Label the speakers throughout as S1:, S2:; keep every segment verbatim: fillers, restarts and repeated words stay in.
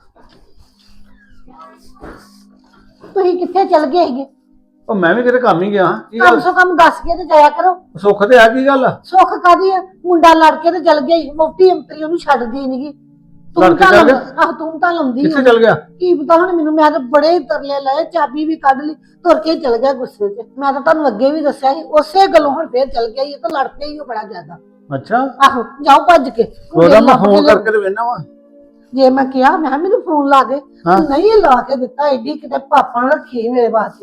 S1: ਤੁਸੀਂ ਕਿੱਥੇ ਚਲ ਗਏ ਸੀਗੇ?
S2: ਉਹ ਮੈਂ ਵੀ ਕਿਤੇ ਕੰਮ ਹੀ ਗਿਆ ਕੀ
S1: ਕਮ
S2: ਗੱਲ
S1: ਸੋ ਕਮ ਦੱਸ ਕੇ ਤੇ ਜਾਇਆ ਕਰੋ।
S2: ਸੁੱਖ ਤੇ ਆ ਕੀ ਗੱਲ ਆ?
S1: ਸੁੱਖ ਕਾਦੀ ਆ? ਮੁੰਡਾ ਲੜ ਕੇ ਤੇ ਚਲ ਗਿਆ, ਮੋਟੀ ਅੰਤਰੀ ਉਹਨੂੰ ਛੱਡਦੀ ਨਹੀਂਗੀ।
S2: ਲੜ
S1: ਤੂੰ
S2: ਕੇ
S1: ਤਾਂ
S2: ਚੱਲ ਗਿਆ?
S1: ਆਹ ਤੂੰ ਤਾਂ ਲਾਉਂਦੀ
S2: ਕਿੱਥੇ
S1: ਆ।
S2: ਚਲ ਗਿਆ?
S1: ਕੀ ਪਤਾ ਹੁਣ ਮੈਨੂੰ, ਮੈਂ ਤਾਂ ਬੜੇ ਹੀ ਤਰਲੇ ਲਏ, ਚਾਬੀ ਵੀ ਕੱਢ ਲਈ, ਤੁਰ ਕੇ ਚਲ ਗਿਆ ਗੁੱਸੇ 'ਚ। ਮੈਂ ਤਾਂ ਤੁਹਾਨੂੰ ਅੱਗੇ ਵੀ ਦੱਸਿਆ ਸੀ, ਉਸੇ ਗੱਲੋਂ ਹੁਣ ਫੇਰ ਚਲ ਗਿਆ। ਇਹ ਤਾਂ ਲੜ ਪਿਆ ਹੀ ਉਹ ਬੜਾ ਜ਼ਿਆਦਾ।
S2: ਅੱਛਾ
S1: ਆਹੋ ਜਾਓ ਭੱਜ ਕੇ।
S2: ਉਹਦਾ ਮੈਂ
S1: ਲੱਭ ਕੇ
S2: ਫੋਨ
S1: ਲਿਆਓ।
S2: ਕਰਕੇ ਤੇ ਵੇਖਣਾ ਵਾ।
S1: ਜੇ ਮੈਂ ਕਿਹਾ ਮੈਂ ਕਿਹਾ ਮੈਨੂੰ ਫੋਨ ਲਾ ਦੇ,
S2: ਹਾਂ।
S1: ਨਹੀਂ ਲਾ ਕੇ ਦਿੱਤਾ। ਐਡੀ ਕਿਤੇ ਪਾਪਾ ਨੇ ਰੱਖੀ ਮੇਰੇ ਵਾਸਤੇ।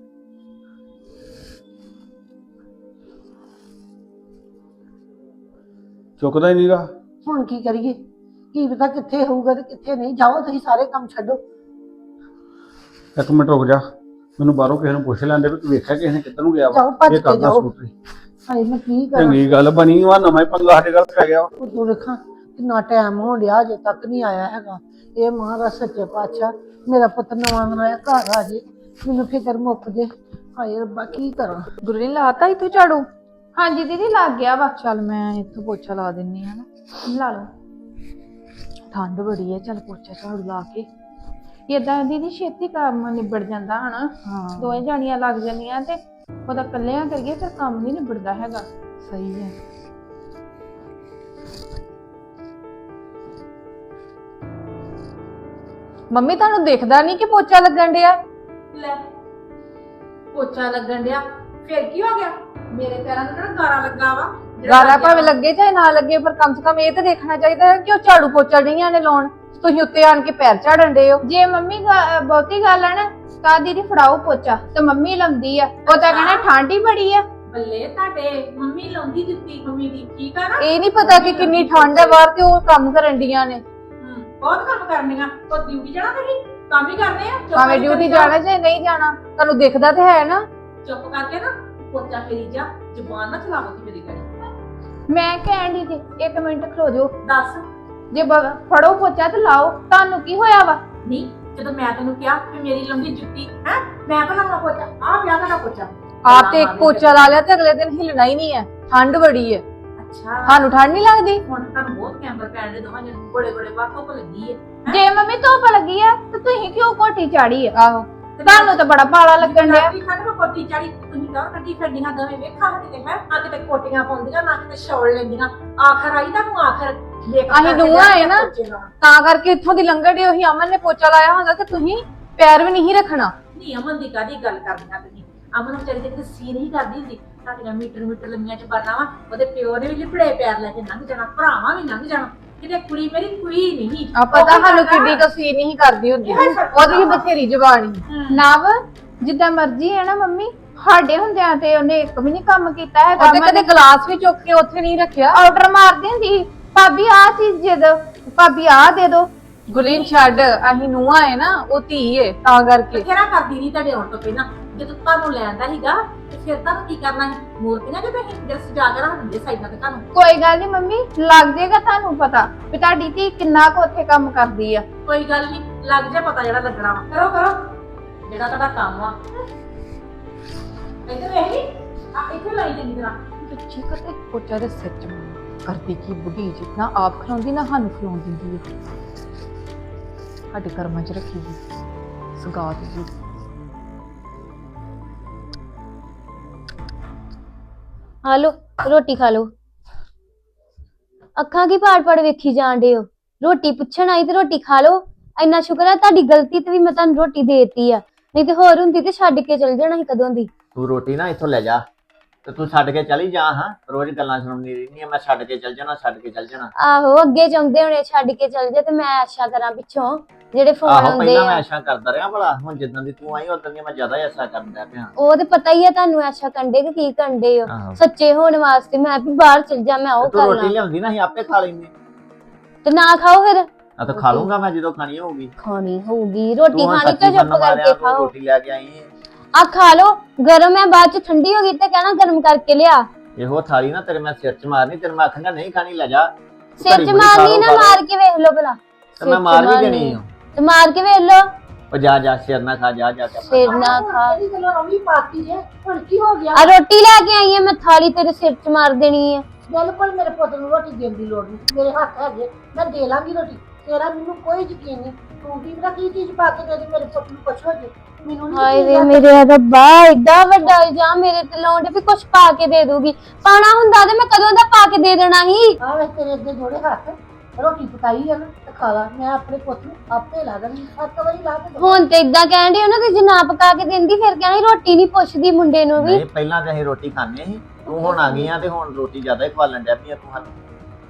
S2: ਚੁੱਕਦਾ ਹੀ ਨਹੀਂਗਾ।
S1: ਹੁਣ ਕੀ ਕਰੀਏ? ਕੀ ਪਤਾ ਕਿੱਥੇ ਹੋਊਗਾ ਤੇ ਕਿੱਥੇ ਨਹੀਂ। ਜਾਓ ਤੁਸੀਂ ਸਾਰੇ ਕੰਮ ਛੱਡੋ।
S2: ਇੱਕ ਮਿੰਟ ਰੁਕ ਜਾ, ਮੈਨੂੰ ਬਾਹਰੋਂ ਕਿਸੇ ਨੂੰ ਪੁੱਛ ਲੈਂਦੇ ਵੀ ਤੂੰ ਵੇਖਿਆ ਕਿਸੇ ਨੇ ਕਿੱਧਰ ਨੂੰ ਗਿਆ
S1: ਜਾਓ
S2: ਵਾ।
S1: ਭੱਜ
S2: ਇਹ
S1: ਕੇ
S2: ਕਰਦਾ
S1: ਜਾਓ।
S2: ਸਕੂਟਰੀ।
S1: ਹਾਏ ਮੈਂ ਕੀ ਕਰਾਂ?
S2: ਚੰਗੀ ਗੱਲ ਬਣੀ ਵਾ, ਨਵਾਂ ਹੀ ਪੰਗਾ ਸਾਡੇ ਘਰ ਪੈ ਗਿਆ ਵਾ।
S1: ਉਦੋਂ ਵੇਖਾਂ ਕਿੰਨਾ ਟਾਈਮ ਹੋ ਗਿਆ, ਅਜੇ ਤੱਕ ਨਹੀਂ ਆਇਆ ਹੈਗਾ। ਇਹ ਮਹਾਰਾਜ ਸੱਚੇ ਪਾਤਸ਼ਾਹ ਮੇਰਾ ਪੁੱਤ ਨਵਾਂ ਨਵਾਂ ਘਰ ਆ ਜੇ, ਮੈਨੂੰ ਫਿਕਰ ਮੁੱਕ ਜੇ। ਹਾਏ ਰੱਬਾ ਕੀ ਕਰਾਂ?
S3: ਗੁਰੂ ਨੇ ਲਾਤਾ ਹੀ ਤੂੰ ਝਾੜੂ? ਹਾਂਜੀ ਦੀਦੀ ਲੱਗ ਗਿਆ ਵਾ। ਚੱਲ ਮੈਂ ਇੱਥੋਂ ਪੋਚਾ ਲਾ ਦਿੰਨੀ ਆ ਨਾ। ਲਾ ਲਓ। ਠੰਡ ਬੜੀ ਹੈ, ਚੱਲ ਪੋਚਾ ਝਾੜੂ ਲਾ ਕੇ ਏਦਾਂ ਦੀਦੀ ਛੇਤੀ ਕੰਮ ਨਿਬੜ ਜਾਂਦਾ ਹਨਾ।
S1: ਹਾਂ
S3: ਦੋਵੇਂ ਜਾਣੀਆਂ ਲੱਗ ਜਾਂਦੀਆਂ ਤੇ ਉਹਦਾ ਇਕੱਲਿਆਂ ਕਰੀਏ ਫਿਰ ਕੰਮ ਨਹੀਂ ਨਿਬੜਦਾ ਹੈਗਾ।
S1: ਸਹੀ ਹੈ।
S3: ਮੰਮੀ ਤੁਹਾਨੂੰ ਦਿਖਦਾ ਨਹੀਂ ਕਿ ਪੋਚਾ ਲੱਗਣ ਡਿਆ?
S4: ਲੈ ਪੋਚਾ ਲੱਗਣ ਡਿਆ ਫਿਰ ਕੀ ਹੋ ਗਿਆ? ਮੇਰੇ ਪੈਰਾਂ ਨੂੰ ਕਿਹੜਾ ਗਾਰਾ ਲੱਗਾ ਵਾ? ਜਿਹੜਾ
S3: ਗਾਰਾ
S4: ਲੱਗਿਆ
S3: ਭਾਵੇਂ ਲੱਗੇ ਚਾਹੇ ਨਾ ਲੱਗੇ, ਪਰ ਕਮ ਸੇ ਕਮ ਇਹ ਤਾਂ ਦੇਖਣਾ ਚਾਹੀਦਾ ਹੈ ਕਿ ਉਹ ਝਾੜੂ ਪੋਚਾ ਨਹੀਂ ਆਣੇ ਲਾਉਣ। ਤੁਸੀਂ ਉੱਤੇ ਆਣ ਕੇ ਪੈਰ ਝਾੜਨ ਡੇ ਹੋ। ਜੇ ਮੰਮੀ ਬਹੁਤੀ ਗੱਲ ਹੈ ਨਾ ਤਾਂ ਦੀਦੀ ਫੜਾਓ ਪੋਚਾ ਤੇ ਮੰਮੀ ਲਾਉਂਦੀ ਆ। ਉਹ ਤਾਂ ਕਹਿਣਾ ਠੰਡ ਹੀ ਬੜੀ ਆ।
S4: ਬੱਲੇ ਤੁਹਾਡੇ ਮੰਮੀ ਲਾਉਂਦੀ ਦਿੱਤੀ ਮੰਮੀ ਦੀ, ਠੀਕ ਆ ਨਾ?
S3: ਇਹ ਨਹੀਂ ਪਤਾ ਕਿ ਕਿੰਨੀ ਠੰਡ ਹੈ ਬਾਹਰ ਤੇ ਉਹ ਕੰਮ ਕਰਨ ਡੀਆਂ ਨੇ।
S4: ਹੂੰ, ਬਹੁਤ ਕੰਮ ਕਰਨੀਆਂ। ਉਹ ਡਿਊਟੀ ਜਾਣਾ ਤੁਸੀਂ? ਕੰਮ ਹੀ ਕਰਨੇ ਆ। ਚੁੱਪ
S3: ਭਾਵੇਂ
S4: ਕਰਕੇ
S3: ਡਿਊਟੀ
S4: ਜਾਓ।
S3: ਜਾਣਾ ਚਾਹੇ ਨਹੀਂ ਜਾਣਾ, ਤੁਹਾਨੂੰ ਦਿਖਦਾ ਤੇ ਹੈ ਨਾ।
S4: ਚੁੱਪ ਕਰਕੇ ਨਾ ਪੋਚਾ ਫੇਰੀ ਜਾ, ਜ਼ੁਬਾਨ ਨਾ ਚਲਾਵੋ ਤੀ ਮੇਰੀ ਗੱਲ।
S3: ਮੈਂ ਕਹਿਣ ਦੀ ਤੇ ਇੱਕ ਮਿੰਟ ਖਲੋ ਜਾਓ।
S4: ਦੱਸ।
S3: ਜੇ ਬ- ਫੜੋ ਪੋਚਾ ਤੇ ਲਾਓ। ਤੁਹਾਨੂੰ ਕੀ ਹੋਇਆ ਵਾ?
S4: ਨਹੀਂ ਜਦੋਂ ਮੈਂ ਤੈਨੂੰ ਕਿਹਾ ਕਿ ਮੇਰੀ ਲਾਉਂਦੀ ਜੁੱਤੀ ਹੈ, ਮੈਂ ਤਾਂ ਲਾਉਣਾ ਪੋਚਾ। ਆ ਪਿਆ ਤੁਹਾਡਾ ਪੋਚਾ।
S3: ਆਪ ਤੇ ਇੱਕ ਪੋਚਾ ਲਾ ਲਿਆ ਤੇ ਅਗਲੇ ਦਿਨ ਹਿਲਣਾ ਹੀ ਨਹੀਂ ਹੈ। ਠੰਡ ਬੜੀ ਹੈ।
S4: ਅੱਛਾ
S3: ਤੁਹਾਨੂੰ ਠੰਡ ਨਹੀਂ ਲੱਗਦੀ?
S4: ਹੁਣ ਤੁਹਾਨੂੰ ਬਹੁਤ ਕੈਂਬਰ ਪੈਣ ਦੇ ਦੋਵਾਂ ਜਿਹੇ ਬੜੇ ਬੜੇ ਬਾਤ ਧੁੱਪ ਲੱਗੀ ਹੈ।
S3: ਜੇ ਮੰਮੀ ਧੁੱਪ ਲੱਗੀ ਆ ਤੇ ਤੁਸੀਂ ਕਿਉਂ ਕੋਟੀ ਚਾੜੀ ਆ? ਆਹੋ ਤੁਹਾਨੂੰ ਤਾਂ ਬੜਾ ਪਾਲਾ ਲੱਗਣ ਡਿਆ।
S4: ਠੰਡ ਨੂੰ ਕੋਟੀ ਚਾੜੀ ਤੁਸੀਂ ਕਹੋ ਕੱਢੀ ਫਿਰਦੀਆਂ ਦੋਵੇਂ ਵੇਖਾਂ ਕਿਤੇ ਹੈ ਨਾ, ਕਿਤੇ ਕੋਟੀਆਂ ਪਾਉਂਦੀਆਂ ਨਾ ਕਿਤੇ ਸ਼ੌਲ ਲੈਂਦੀਆਂ। ਆਖਰ ਆਈ ਤੁਹਾਨੂੰ ਆਖਰ
S3: ਅਸੀਂ ਨੂੰਹਾਂ ਆਏ ਨਾ ਤਾਂ ਕਰਕੇ ਇੱਥੋਂ ਦੀ ਲੰਘਣ ਦੀ। ਉਹੀ ਅਮਨ ਨੇ ਪੋਚਾ ਲਾਇਆ ਹੁੰਦਾ ਤੇ ਤੁਸੀਂ ਪੈਰ ਵੀ ਨਹੀਂ ਰੱਖਣਾ।
S4: ਨਹੀਂ ਅਮਨ ਦੀ ਕਾਦੀ ਗੱਲ ਕਰਦੀਆਂ ਤੁਸੀਂ? ਅਮਨ ਵਿਚਾਰੀ ਦੇ ਕਿਤੇ ਸੀ ਨਹੀਂ ਕਰਦੀ ਹੁੰਦੀ। ਤੁਹਾਡੀਆਂ ਮੀਟਰ ਮੀਟਰ ਲੰਮੀਆਂ ਚ ਬਰਨਾ ਵਾ, ਉਹਦੇ ਪਿਓ ਨੇ ਵੀ ਲਿਪੜੇ ਪੈਰ ਲੈ ਕੇ ਲੰਘ ਜਾਣਾ, ਭਰਾਵਾਂ ਵੀ ਲੰਘ ਜਾਣਾ। ਕਿਤੇ ਕੁੜੀ ਮੇਰੀ ਕੋਈ ਨਹੀਂ
S3: ਆ ਪਤਾ ਸਾਨੂੰ ਕਿੱਡੀ ਕਸੀ ਨਹੀਂ ਕਰਦੀ ਹੁੰਦੀ, ਉਹਦੀ ਵੀ ਬਥੇਰੀ ਜ਼ਬਾਨੀ। ਨਵ ਜਿੱਦਾਂ ਮਰਜ਼ੀ ਹੈ ਨਾ ਮੰਮੀ, ਸਾਡੇ ਹੁੰਦਿਆਂ ਤੇ ਉਹਨੇ ਇੱਕ ਵੀ ਨਹੀਂ ਕੰਮ ਕੀਤਾ ਹੈਗਾ। ਉਹਦੇ ਕਦੇ ਗਲਾਸ ਵੀ ਚੁੱਕ ਕੇ ਉੱਥੇ ਨਹੀਂ ਰੱਖਿਆ। ਆਰਡਰ ਮਾਰਦੀ ਹੁੰਦੀ ਭਾਬੀ ਆ ਚੀਜ਼ ਦੇ ਦੋ, ਭਾਬੀ ਆ ਦੇ ਦੋ। ਗੁਲੀਨ ਛੱਡ, ਅਸੀਂ ਨੂੰਹਾਂ ਹੈ ਨਾ, ਉਹ ਧੀ ਹੈ ਤਾਂ ਕਰਕੇ।
S4: ਬਥੇਰਾ ਕਰਦੀ ਨਹੀਂ ਤੁਹਾਡੇ ਆਉਣ ਤੋਂ ਪਹਿਲਾਂ। ਜਦੋਂ ਤੁਹਾਨੂੰ ਲੈਂਦਾ ਸੀਗਾ ਤੇ ਫਿਰ ਤੁਹਾਨੂੰ ਕੀ ਕਰਨਾ ਸੀ? ਮੂਰਤੀਆਂ ਜਿਵੇਂ ਹਿੰਦਰ ਸਜਾ ਕੇ ਰੱਖ ਦਿੰਦੇ ਸਾਈਡਾਂ ਤੇ ਤੁਹਾਨੂੰ।
S3: ਕੋਈ ਗੱਲ ਨਹੀਂ ਮੰਮੀ, ਲੱਗ ਜਾਏਗਾ ਤੁਹਾਨੂੰ ਪਤਾ ਵੀ ਤੁਹਾਡੀ ਧੀ ਕਿੰਨਾ ਕੁ ਉੱਥੇ ਕੰਮ ਕਰਦੀ ਆ।
S4: ਕੋਈ ਗੱਲ ਨਹੀਂ, ਲੱਗ ਜਾ ਪਤਾ ਜਿਹੜਾ ਲੱਗਣਾ ਵਾ। ਕਰੋ ਕਰੋ ਜਿਹੜਾ ਤੁਹਾਡਾ ਕੰਮ ਆ। ਇੱਧਰ ਵੇਖ ਨੀ, ਆ ਇੱਥੇ ਲਾਈ ਚੰਗੀ ਤਰ੍ਹਾਂ।
S3: ਬੱਚੀ ਕਦੇ ਪੋਚਾ ਦੇ ਸਿਰ ਚ ਕਰਦੀ ਕੀ ਬੁੱਢੀ ਜੀ, ਨਾ ਆਪ ਖਲਾਉਂਦੀ ਨਾ ਸਾਨੂੰ ਖਲਾਉਣ ਦਿੰਦੀ ਹੈ। ਸਾਡੇ ਕਰਮਾਂ ਚ ਰੱਖੀ ਗਈ ਸਗਾਤ ਜੀ।
S5: ਆ ਲੋ ਰੋਟੀ ਖਾ ਲੋ। ਅੱਖਾਂ ਕੀ ਪਾੜ ਪਾੜ ਵੇਖੀ ਜਾਣ ਡੇ ਹੋ? ਰੋਟੀ ਪੁੱਛਣ ਆਈ ਤੇ ਰੋਟੀ ਖਾ ਲੋ। ਇੰਨਾ ਸ਼ੁਕਰ ਹੈ ਤੁਹਾਡੀ ਗਲਤੀ ਤੇ ਵੀ ਮੈਂ ਤੁਹਾਨੂੰ ਰੋਟੀ ਦੇਤੀ ਆ, ਨਹੀਂ ਤੇ ਹੋਰ ਹੁੰਦੀ ਤੇ ਛੱਡ ਕੇ ਚਲ ਜਾਣਾ ਸੀ ਕਦੋਂ ਦੀ।
S6: ਤੂੰ ਰੋਟੀ ਨਾ ਇੱਥੋਂ ਲੈ ਜਾ ਤੇ ਤੂੰ ਛੱਡ ਕੇ ਚਲੀ ਜਾ। ਹਾਂ ਰੋਜ਼ ਗੱਲਾਂ ਸੁਣਨੀ ਰਹਿੰਦੀ ਆ, ਮੈਂ ਛੱਡ ਕੇ ਚਲ ਜਾਣਾ ਛੱਡ ਕੇ ਚਲ ਜਾਣਾ।
S5: ਆਹੋ ਅੱਗੇ ਚਾਹੁੰਦੇ ਹੋਣੇ ਛੱਡ ਕੇ ਚਲ ਜਾ ਤੇ ਮੈਂ ਆਸ਼ਾ ਕਰਾਂ ਪਿੱਛੋਂ ਜਿਹੜੇ ਫੋਨ
S6: ਆਹੋ
S5: ਆਉਂਦੇ
S6: ਪਹਿਲਾਂ ਮੈਂ
S5: ਆ।
S6: ਐਸ਼ਾ ਕਰਦਾ ਰਿਹਾ ਭਲਾ, ਹੁਣ ਜਿੱਦਾਂ ਦੀ ਤੂੰ ਆਈ ਉਦੋਂ ਦੀ ਮੈਂ ਜ਼ਿਆਦਾ ਐਸਾ ਕਰਨ ਲੱਗ ਪਿਆ।
S5: ਉਹ ਤੇ ਪਤਾ ਹੀ ਆ ਤੁਹਾਨੂੰ ਆਸ਼ਾ ਕੰਡੇ ਕਿ ਕੀ ਕੰਡੇ ਹੋ।
S6: ਆਹੋ।
S5: ਸੱਚੇ ਹੋਣ ਵਾਸਤੇ ਮੈਂ ਵੀ ਬਾਹਰ ਚਲ ਜਾ, ਮੈਂ ਉਹ
S6: ਤੂੰ
S5: ਕਰ
S6: ਰੋਟੀ
S5: ਲਾਂ
S6: ਲਿਆਉਂਦੀ ਨਾ, ਅਸੀਂ ਆਪੇ ਖਾ ਲੈਂਦੇ।
S5: ਤੇ ਨਾ ਖਾਓ ਫਿਰ।
S6: ਆ ਤਾਂ ਖਾ ਲੂੰਗਾ ਮੈਂ ਜਦੋਂ ਖਾਣੀ ਹੋਊਗੀ।
S5: ਖਾਣੀ ਹੋਊਗੀ ਰੋਟੀ
S6: ਤੂੰ ਹੁਣ
S5: ਖਾਣੀ ਤਾਂ
S6: ਸੱਚੀ
S5: ਚੁੱਪ
S6: ਮੰਨ ਮਾਰਿਆ,
S5: ਕਰਕੇ
S6: ਤੂੰ
S5: ਖਾਓ।
S6: ਰੋਟੀ ਲੈ ਕੇ ਆਈ ਹੈ।
S5: ਆ ਖਾ ਲੋ, ਗਰਮ ਹੈ, ਬਾਅਦ ਚ ਠੰਡੀ ਹੋ ਗਈ ਤੇ ਕਹਿਣਾ ਗਰਮ ਕਰਕੇ ਲਿਆ।
S6: ਇਹੋ ਥਾਲੀ ਨਾ ਤੇਰੇ ਮੈਂ ਸਿਰ ਚ ਮਾਰਨੀ, ਤੇਰੇ ਮੈਂ ਆਖਾਂਗਾ ਨਹੀਂ ਖਾਣੀ ਲੈ ਜਾ।
S5: ਸਿਰ ਚ ਮਾਰਨੀ ਨਾ, ਮਾਰ ਕੇ ਵੇਖ ਲੋ ਭਲਾ।
S6: ਤੇ ਮੈਂ ਮਾਰ ਵੀ ਦੇਣੀ ਆ।
S5: ਤੇ ਮਾਰ ਕੇ ਵੇਖ ਲੋ।
S6: ਉਹ ਜਾ ਜਾ ਸਿਰ ਨਾ ਖਾ, ਜਾ ਜਾ ਕੇ ਆਪਣਾ
S5: ਸਿਰ ਨਾ ਖਾ।
S1: ਇਹ ਗੱਲਾਂ ਰੌਲੀ ਪਾਤੀ ਜੇ, ਹੁਣ ਕੀ ਹੋ ਗਿਆ?
S5: ਆ ਰੋਟੀ ਲੈ ਕੇ ਆਈ ਆ ਮੈਂ, ਥਾਲੀ ਤੇਰੇ ਸਿਰ ਚ ਮਾਰ ਦੇਣੀ ਆ।
S1: ਬਿਲਕੁਲ ਮੇਰੇ ਪੁੱਤ ਨੂੰ ਰੋਟੀ ਦੇਣ ਦੀ ਲੋੜ ਨਹੀਂ, ਮੇਰੇ ਹੱਥ ਹੈਗੇ, ਮੈਂ ਦੇ ਲਾਂਗੀ ਰੋਟੀ। ਤੇਰਾ ਮੈਨੂੰ ਕੋਈ ਯਕੀਨ ਨਹੀਂ। ਤੂੰ ਕੀ ਪਤਾ ਕੀ ਚੀਜ਼ ਪਾ ਕੇ ਦੇ ਦੇ ਮੇਰੇ ਪੁੱਤ ਨੂੰ ਕੁਛ ਹੋ ਜੇ। ਮੈਨੂੰ ਨਹੀਂ
S5: ਹਾਏ ਵੇ ਮੇਰੇ ਰੱਬਾ, ਏਡਾ ਵੱਡਾ ਇਲਜ਼ਾਮ ਮੇਰੇ ਤੇ ਲਾਉਂਦੇ ਵੀ ਕੁਛ ਪਾ ਕੇ ਦੇ ਦੂਗੀ। ਪਾਣਾ ਹੁੰਦਾ ਤੇ ਮੈਂ ਕਦੋਂ ਦਾ ਪਾ ਕੇ ਦੇ ਦੇਣਾ ਸੀ।
S1: ਆ ਵੇ ਤੇਰੇ ਅੱਗੇ ਜੋੜੇ ਹੱਥ, ਰੋਟੀ ਪਕਾਈ ਆ ਨਾ ਤੇ ਖਾ ਲਾ। ਮੈਂ ਆਪਣੇ ਪੁੱਤ ਨੂੰ ਆਪੇ ਲਾ ਦੇਣੀ, ਸੱਤ ਵਜੇ ਲਾ ਕੇ
S5: ਹੁਣ ਤੇ ਇਦਾਂ ਕਹਿਣ ਡਈ ਉਹਨਾਂ ਦੀ ਜੇ ਨਾ ਪਕਾ ਕੇ ਦਿੰਦੀ ਫਿਰ ਕਹਿਣਾ ਸੀ ਰੋਟੀ ਨਹੀਂ ਪੁੱਛਦੀ ਮੁੰਡੇ ਨੂੰ ਵੀ।
S6: ਨਹੀਂ ਪਹਿਲਾਂ ਤਾਂ ਅਸੀਂ ਰੋਟੀ ਖਾਂਦੇ ਸੀ, ਤੂੰ ਹੁਣ ਆ ਗਈ ਆ ਤੇ ਹੁਣ ਰੋਟੀ ਜ਼ਿਆਦਾ ਹੀ ਖਵਾਲਣ ਡਿਆ ਪਈ ਆ ਤੂੰ ਸਾਨੂੰ।